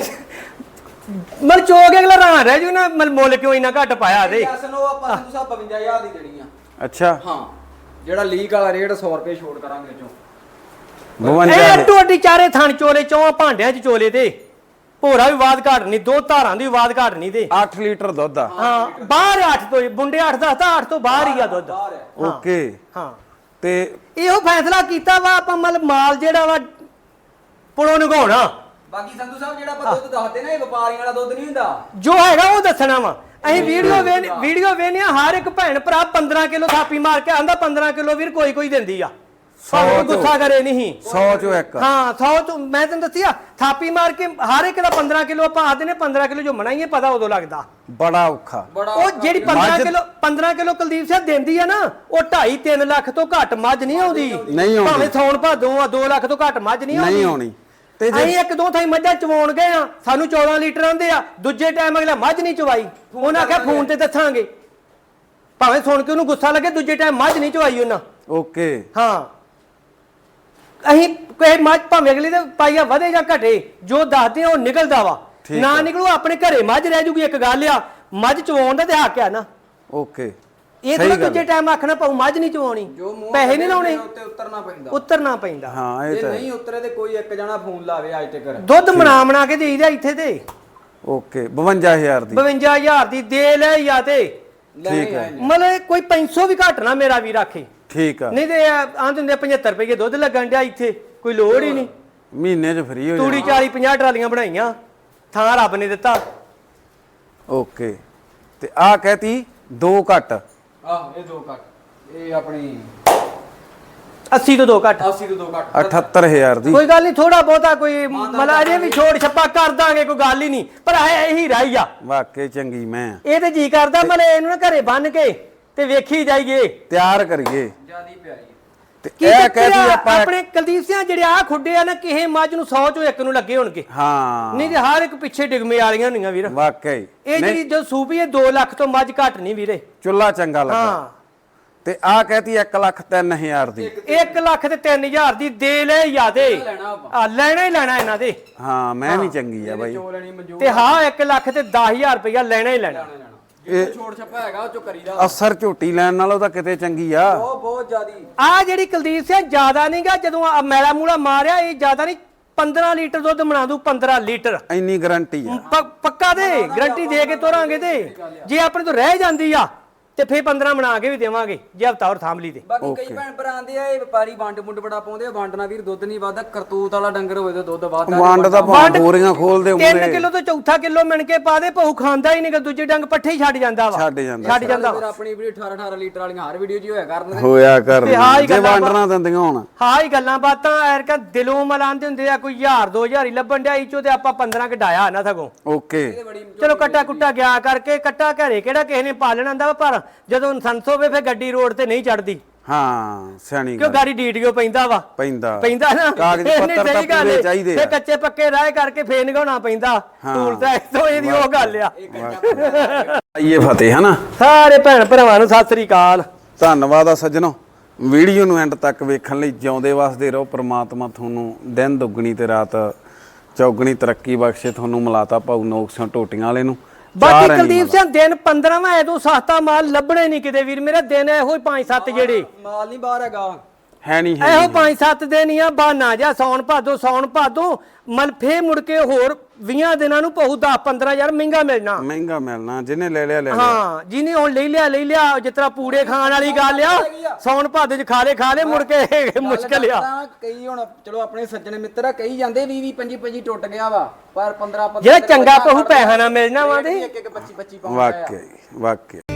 Speaker 1: ਮਲ ਚੋਗ ਅਗਲਾ ਰਾਂ ਰਹਿ ਜੂ ਨਾ, ਮਲ ਮੁੱਲ ਕਿਉਂ ਇੰਨਾ ਘੱਟ ਪਾਇਆ ਤੇ।
Speaker 3: ਅਸਨੋ ਆਪਾਂ ਨੂੰ ਸਭ 55000 ਦੀ ਦੇਣੀ ਆ।
Speaker 2: ਅੱਛਾ
Speaker 3: ਹਾਂ ਜਿਹੜਾ ਲੀਕ ਵਾਲਾ ਰੇਟ 100 ਰੁਪਏ ਛੋੜ ਕਰਾਂਗੇ ਚੋਂ।
Speaker 2: 52
Speaker 1: ਇਹ ਟੋਡੀ ਚਾਰੇ ਥਣ ਚੋਲੇ, ਚੌਂ ਭਾਂਡਿਆਂ 'ਚ ਚੋਲੇ ਤੇ ਭੋਰਾ ਵੀ ਬਾਦ ਘਾਟ ਨਹੀਂ, 2 ਧਾਰਾਂ ਦੀ ਵੀ ਬਾਦ ਘਾਟ ਨਹੀਂ ਤੇ।
Speaker 2: 8 ਲੀਟਰ ਦੁੱਧ ਆ।
Speaker 1: ਹਾਂ ਬਾਹਰ 8 ਤੋਂ, ਬੁੰਡੇ 8 ਦੱਸਦਾ, 8 ਤੋਂ ਬਾਹਰ ਹੀ ਆ ਦੁੱਧ।
Speaker 3: ਬਾਹਰ ਹੈ।
Speaker 2: ਓਕੇ।
Speaker 1: ਹਾਂ
Speaker 2: ਤੇ
Speaker 1: ਇਹੋ ਫੈਸਲਾ ਕੀਤਾ ਵਾ ਆਪਾਂ, ਮਤਲਬ ਮਾਲ ਜਿਹੜਾ ਵਾ ਪੁਲੋਂ ਨਗਾਉਣਾ।
Speaker 3: ਬਾਕੀ ਸੰਧੂ ਸਾਹਿਬ ਜਿਹੜਾ ਆਪਾਂ ਦੁੱਧ ਦੱਸਦੇ ਨਾ, ਇਹ ਵਪਾਰੀਆਂ ਵਾਲਾ ਦੁੱਧ ਨਹੀਂ ਹੁੰਦਾ।
Speaker 1: ਜੋ ਹੈਗਾ ਉਹ ਦੱਸਣਾ ਵਾ। ਅਸੀਂ ਵੀਡੀਓ ਵੇਖਨੇ ਆ, ਹਰ ਇੱਕ ਭੈਣ ਭਰਾ 15 ਕਿਲੋ ਥਾਪੀ ਮਾਰ ਕੇ ਆਂਦਾ 15 ਕਿਲੋ ਵੀਰ ਕੋਈ ਦਿੰਦੀ ਆ, ਭਾਵੇਂ ਉਹ ਗੁੱਸਾ ਕਰੇ ਨਹੀਂ।
Speaker 2: 100 ਚੋਂ ਇੱਕ।
Speaker 1: ਹਾਂ 100 ਤੋਂ ਮੈਂ ਤੈਨੂੰ ਦੱਸਿਆ, ਥਾਪੀ ਮਾਰ ਕੇ ਹਰ ਇੱਕ ਦਾ 15 ਕਿਲੋ ਆਪਾਂ ਆਦੇ ਨੇ, 15 ਕਿਲੋ ਜੋ ਮਣਾਈਏ ਪਤਾ ਉਦੋਂ ਲੱਗਦਾ।
Speaker 2: ਬੜਾ ਔਖਾ।
Speaker 3: ਬੜਾ
Speaker 1: ਉਹ ਜਿਹੜੀ 15 ਕਿਲੋ ਕੁਲਦੀਪ ਸਿੰਘ ਦਿੰਦੀ ਆ ਨਾ, ਉਹ 2.5-3 ਲੱਖ ਤੋਂ ਘੱਟ ਮੱਝ ਨਹੀਂ ਆਉਂਦੀ।
Speaker 2: ਨਹੀਂ ਆਉਂਦੀ।
Speaker 1: ਭਾਵੇਂ ਸੌਣ ਭਾਦੋਂ ਆ 2 ਲੱਖ ਤੋਂ ਘੱਟ ਮੱਝ ਨਹੀਂ ਆਉਂਦੀ।
Speaker 2: ਨਹੀਂ ਆਉਣੀ। ਤੇ
Speaker 1: ਅਸੀਂ 1-2 ਥਾਈ ਮੱਝਾਂ ਚਵਾਉਣ ਗਏ ਆ, ਸਾਨੂੰ 14 ਲੀਟਰ ਆਉਂਦੇ ਆ, ਦੂਜੇ ਟਾਈਮ ਅਗਲਾ ਮੱਝ ਨਹੀਂ ਚਵਾਈ, ਉਹਨਾਂ ਆਖਿਆ ਫੋਨ ਤੇ ਦੱਸਾਂਗੇ। ਭਾਵੇਂ ਸੁਣ ਕੇ ਉਹਨੂੰ ਗੁੱਸਾ ਲੱਗੇ, ਦੂਜੇ ਟਾਈਮ ਮੱਝ ਨਹੀਂ ਚਵਾਈ ਉਹਨਾਂ।
Speaker 2: ਓਕੇ।
Speaker 1: ਹਾਂ ਅਸੀਂ ਕੋਈ ਮੱਝ ਭਾਵੇਂ ਅਗਲੇ ਦੇ ਪਾਈਆ ਵਧੇ ਜਾਂ ਘਟੇ, ਜੋ ਦੱਸਦੇ ਆ ਉਹ ਨਿਕਲਦਾ ਵਾ। ਨਾ ਨਿਕਲੂ ਆਪਣੇ ਘਰੇ ਮੱਝ ਰਹਿ ਜੂਗੀ। ਇੱਕ ਗੱਲ ਆ, ਮੱਝ ਚਵਾਉਣ ਦਾ ਤੇ ਹੱਕ ਆ ਨਾ।
Speaker 2: ਓਕੇ।
Speaker 1: ਇਹ ਤਾਂ ਦੂਜੇ ਟਾਈਮ ਆਖਣਾ ਪਾਉ ਮੱਝ ਨਹੀਂ ਚਵਾਉਣੀ, ਪੈਸੇ ਨਹੀਂ ਲਾਉਣੇ,
Speaker 3: ਉੱਤੇ
Speaker 1: ਉਤਰਨਾ ਪੈਂਦਾ।
Speaker 2: ਹਾਂ ਇਹ
Speaker 3: ਜੇ
Speaker 2: ਤਾਂ
Speaker 3: ਨਹੀਂ ਉਤਰੇ ਤੇ ਕੋਈ ਇੱਕ ਜਣਾ ਫੋਨ ਲਾਵੇ ਅੱਜ ਤੱਕ।
Speaker 1: ਦੁੱਧ ਬਣਾ ਕੇ ਦੇਈਦਾ ਇੱਥੇ ਤੇ।
Speaker 2: ਓਕੇ 52000 ਦੀ
Speaker 1: 52000 ਦੀ ਦੇ ਲੈ ਜਾਂ ਤੇ
Speaker 2: ਠੀਕ ਹੈ।
Speaker 1: ਮਤਲਬ ਕੋਈ 500 ਵੀ ਘੱਟ ਨਾ ਮੇਰਾ ਵੀ ਰੱਖੇ,
Speaker 2: ਠੀਕ ਆ।
Speaker 1: ਨਹੀਂ ਤੇ ਆਂ ਦਿੰਦੇ 75 ਰੁਪਏ ਦੁੱਧ ਲੱਗਣ ਡਿਆ ਇੱਥੇ, ਕੋਈ ਲੋੜ ਹੀ ਨਹੀਂ।
Speaker 2: ਮਹੀਨੇ 'ਚ ਫ੍ਰੀ ਹੋ
Speaker 1: ਤੂੜੀ
Speaker 2: ਜਾਣਾ।
Speaker 1: 40-50 ਟਰਾਲੀਆਂ ਬਣਾਈਆਂ, ਥਾਂ ਰੱਬ ਨੇ ਦਿੱਤਾ।
Speaker 2: ਓਕੇ। ਤੇ ਆ ਕਹਤੀ 2 ਘੱਟ।
Speaker 3: ਆਹ ਇਹ 2 ਘੱਟ, ਇਹ ਆਪਣੀ
Speaker 1: 80 ਤੋਂ 2 ਘੱਟ।
Speaker 3: 80 ਤੋਂ 2 ਘੱਟ
Speaker 2: 78000 ਦੀ।
Speaker 1: ਕੋਈ ਗੱਲ ਨਹੀਂ, ਥੋੜਾ ਬਹੁਤਾ ਕੋਈ ਮਤਲਬ ਅਜੇ ਵੀ ਛੋੜ ਛੱਪਾ ਕਰ ਦਾਂਗੇ, ਕੋਈ ਗੱਲ ਹੀ ਨਹੀਂ। ਪਰ ਇਹੀ ਰਾਈ ਆ,
Speaker 2: ਵਾਕਈ ਚੰਗੀ ਮੈਂ।
Speaker 1: ਇਹ ਤੇ ਜੀ ਕਰਦਾ ਮਤਲਬ ਇਹਨੂੰ ਨਾ ਘਰੇ ਬੰਨ ਕੇ ਤੇ ਵੇਖੀ ਜਾਈਏ,
Speaker 2: ਤਿਆਰ ਕਰੀਏ।
Speaker 3: ਜਿਆਦੀ ਪਿਆਰੀ।
Speaker 2: ਤੇ
Speaker 1: ਕੀ
Speaker 2: ਇਹ
Speaker 1: ਚੱਕਰ
Speaker 2: ਕਹਤੀ
Speaker 1: ਆ,
Speaker 2: ਆਪਾਂ
Speaker 1: ਆਪਣੇ ਕੁਲਦੀਪ ਸਿੰਘ ਜਿਹੜੇ ਆ ਖੁੱਡੇ ਆ ਨਾ, ਕਿਸੇ ਮੱਝ ਨੂੰ 100 ਚੋਂ 1 ਨੂੰ ਲੱਗੇ ਹੋਣਗੇ।
Speaker 2: ਹਾਂ
Speaker 1: ਨਹੀਂ ਤੇ ਹਰ ਇੱਕ ਪਿੱਛੇ ਡਿਗਮੇ ਵਾਲੀਆਂ ਹੁੰਦੀਆਂ ਵੀਰ।
Speaker 2: ਵਾਕਈ
Speaker 1: ਇਹ ਜਿਹੜੀ ਜੋ ਸੂਪੀ ਹੈ 2 ਲੱਖ ਤੋਂ ਮੱਝ ਘੱਟ ਨਹੀਂ ਵੀਰੇ।
Speaker 2: ਚੁੱਲਾ ਚੰਗਾ ਲੱਗਾ।
Speaker 1: ਹਾਂ
Speaker 2: ਤੇ ਆ ਕਹਤੀ 1,03,000 ਦੀ।
Speaker 1: 1 ਲੱਖ ਤੇ 3000 ਦੀ ਦੇ ਲੈ ਯਾਦੇ
Speaker 3: ਲੈਣਾ ਆਪਾਂ।
Speaker 1: ਆ, ਲੈਣਾ ਹੀ ਲੈਣਾ ਇਹਨਾਂ ਦੇ।
Speaker 2: ਹਾਂ ਮੈਂ ਵੀ ਚੰਗੀ ਆ ਬਾਈ।
Speaker 3: ਚੋ ਲੈਣੀ ਮਨਜ਼ੂਰ।
Speaker 1: ਤੇ ਹਾਂ 1 ਲੱਖ ਤੇ 10000 ਰੁਪਇਆ ਲੈਣਾ ਹੀ ਲੈਣਾ।
Speaker 3: ਜੇ ਛੋੜ ਛੱਪਾ ਹੈਗਾ ਉਹ ਚੋਂ ਕਰੀਦਾ।
Speaker 2: ਅਸਰ ਝੋਟੀ ਲੈਣ ਨਾਲੋਂ ਤਾਂ ਕਿਤੇ ਚੰਗੀ ਆ।
Speaker 3: ਬਹੁਤ ਜਿਆਦੀ।
Speaker 1: ਆ ਜਿਹੜੀ ਕੁਲਦੀਪ ਸਿੰਘ ਜ਼ਿਆਦਾ ਨਹੀਂਗਾ, ਜਦੋਂ ਆ ਮੈਲਾ ਮੂਲਾ ਮਾਰਿਆ ਇਹ ਜ਼ਿਆਦਾ ਨਹੀਂ, 15 ਲੀਟਰ ਦੁੱਧ ਬਣਾ ਦੂ। 15 ਲੀਟਰ
Speaker 2: ਇੰਨੀ ਗਾਰੰਟੀ ਆ।
Speaker 1: ਪੱਕਾ ਦੇ ਗਰੰਟੀ ਦੇ ਕੇ ਤੋਰਾਂਗੇ। ਤੇ ਜੇ ਆਪਣੇ ਤੋਂ ਰਹਿ ਜਾਂਦੀ ਆ ਤੇ ਫੇਰ 15 ਬਣਾ ਕੇ ਵੀ ਦੇਵਾਂਗੇ, ਜੇ ਹਫਤਾ ਹੋਰ ਥਾਮ ਲਈ ਤੇ।
Speaker 3: ਬਾਕੀ ਕਈ ਭੈਣ ਭਰਾ ਆਂਦੇ ਆ ਇਹ ਵਪਾਰੀ ਵੰਡ ਮੁੰਡ ਬੜਾ ਪਾਉਂਦੇ ਆ, ਵੰਡ ਨਾਲ ਵੀਰ ਦੁੱਧ ਨਹੀਂ ਵੱਧਦਾ। ਕਰਤੂਤ ਵਾਲਾ ਡੰਗਰ ਹੋਵੇ ਤੇ ਦੁੱਧ ਵੱਧਦਾ।
Speaker 2: ਵੰਡ ਦਾ ਭਾਵੇਂ ਬੋਰੀਆਂ ਖੋਲਦੇ
Speaker 1: 3
Speaker 2: ਉਮਰੇ
Speaker 1: ਕਿਲੋ ਤੋਂ ਚੌਥਾ ਕਿਲੋ ਮਿਣ ਕੇ ਪਾ ਦੇ, ਭਊ ਖਾਂਦਾ ਹੀ ਨਹੀਂਗਾ, ਦੂਜੇ ਡੰਗ ਪੱਠੇ ਹੀ ਛੱਡ ਜਾਂਦਾ ਵਾ।
Speaker 2: ਛੱਡ ਜਾਂਦਾ।
Speaker 1: ਛੱਡ ਜਾਂਦਾ
Speaker 3: ਫਿਰ
Speaker 1: ਵਾ।
Speaker 3: ਆਪਣੀ ਵੀਡੀਓ 18 ਲੀਟਰ ਵਾਲੀਆਂ ਹਰ ਵੀਡੀਓ 'ਚ ਹੋਇਆ ਕਰਨ।
Speaker 2: ਹੋਇਆ ਕਰ
Speaker 1: ਤੇ ਹਾਂ ਹੀ
Speaker 2: ਜੇ
Speaker 1: ਗੱਲਾਂ
Speaker 2: ਵੰਡਣਾ ਦਿੰਦੀਆਂ ਹੁਣ।
Speaker 1: ਹਾਂ ਹੀ ਗੱਲਾਂ ਬਾਤਾਂ ਐਰਕਾ ਦਿਲੋਂ ਮਲਾਉਂਦੇ ਹੁੰਦੇ ਆ, ਕੋਈ 1000-2000 ਹੀ ਲੱਭਣ ਡਿਆ ਇਚੋ, ਤੇ ਆਪਾਂ 15 ਕਢਾਇਆ ਨਾ ਸਗੋਂ।
Speaker 2: ਓਕੇ।
Speaker 1: ਚਲੋ ਕੱਟਾ ਕੁੱਟਾ ਗਿਆ ਕਰਕੇ, ਕੱਟਾ ਘਰੇ ਕਿਹੜਾ ਕਿਸੇ ਨੇ ਪਾਲਣਾ ਹੁੰਦਾ ਵਾ, ਪਰ ਜਦੋਂ ਸੰਸ ਹੋਵੇ ਫਿਰ ਗੱਡੀ ਰੋਡ ਤੇ ਨਹੀਂ ਚੜਦੀ।
Speaker 2: ਹਾਂ ਸਿਆਣੀ
Speaker 1: ਕਿਉਂ
Speaker 2: ਗੱਲ
Speaker 1: ਗਾੜੀ ਡੀਟੀਓ ਪੈਂਦਾ ਵਾ
Speaker 2: ਪੈਂਦਾ
Speaker 1: ਨਾ
Speaker 2: ਕਾਗਜ਼
Speaker 1: ਨਹੀਂ,
Speaker 2: ਪੱਤਰ ਤਾਂ
Speaker 1: ਸਹੀ ਗੱਲ
Speaker 2: ਪੂਰੇ
Speaker 1: ਏ।
Speaker 2: ਚਾਹੀਦੇ
Speaker 1: ਫਿਰ
Speaker 2: ਆ
Speaker 1: ਕੱਚੇ ਪੱਕੇ ਰਾਹ ਕਰਕੇ ਫੇਰ ਨਿਗਾਉਣਾ ਪੈਂਦਾ ਟੂਲ ਤਾਂ ਇਤੋਂ ਇਹਦੀ ਉਹ ਗੱਲ ਆ
Speaker 2: ਆਈਏ ਫਤਿਹ ਹਨਾ
Speaker 1: ਸਾਰੇ ਭੈਣ ਭਰਾਵਾਂ ਨੂੰ ਸਤਿ ਸ੍ਰੀ ਅਕਾਲ।
Speaker 2: ਧੰਨਵਾਦ ਆ ਸੱਜਣੋ ਵੀਡੀਓ ਨੂੰ ਐਂਡ ਤੱਕ ਵੇਖਣ ਲਈ ਜਿਉਂਦੇ ਵਸਦੇ ਰਹੋ। ਪ੍ਰਮਾਤਮਾ ਤੁਹਾਨੂੰ ਦਿਨ ਦੁੱਗਣੀ ਤੇ ਰਾਤ ਚੌਗਣੀ ਤਰੱਕੀ ਬਖਸ਼ੇ। ਤੁਹਾਨੂੰ ਮਿਲਾਤਾ ਭਾਊ ਨੋਕਸਿਆਂ ਟੋਟੀਆਂ ਵਾਲੇ ਨੂੰ
Speaker 1: ਬਾਕੀ ਕੁਲਦੀਪ ਸਿੰਘ ਦਿਨ 15ਵਾਂ ਐਦੋਂ ਸਸਤਾ ਮਾਲ ਲੱਭਣੇ ਨਹੀਂ ਕਿਤੇ ਵੀਰ ਮੇਰੇ ਦਿਨ ਇਹੋ ਹੀ 5-7 ਜਿਹੜੇ
Speaker 3: ਮਾਲ ਨਹੀਂ ਬਾਹਰ ਹੈਗਾ
Speaker 2: ਹੈ ਨਹੀਂ
Speaker 1: ਇਹੋ 5-7 ਦਿਨ ਹੀ ਆ ਬਹਾਨਾ ਜਾਂ ਸੌਣ ਭਾਦੋਂ ਮਲਫੇ ਮੁੜ ਕੇ ਹੋਰ 20 ਦਿਨਾਂ ਨੂੰ ਪਹੂ 10-15 ਯਾਰ ਮਹਿੰਗਾ ਮਿਲਣਾ
Speaker 2: ਮਹਿੰਗਾ ਮਿਲਣਾ ਜਿਹਨੇ ਲੈ ਲਿਆ
Speaker 1: ਹਾਂ ਜਿਹਨੇ ਹੁਣ ਲੈ ਲਿਆ ਜਿਸ ਤਰ੍ਹਾਂ ਪੂੜੇ ਖਾਣ ਵਾਲੀ ਗੱਲ ਆ ਸੌਣ ਭਾਦੋਂ ਚ ਖਾ ਲੇ ਮੁੜ ਕੇ ਮੁਸ਼ਕਲ ਆ।
Speaker 3: ਕਈ ਹੁਣ ਚਲੋ ਆਪਣੇ ਸੱਜਣ ਮਿੱਤਰ ਆ ਕਈ ਜਾਂਦੇ 20 25 ਟੁੱਟ ਗਿਆ ਵਾ ਪਰ 15
Speaker 1: ਜਿਹੜਾ ਚੰਗਾ ਪਹੂ ਪੈਸਾ ਨਾ ਮਿਲਣਾ ਵਾ ਤੇ
Speaker 3: 25
Speaker 2: ਵਾਕਈ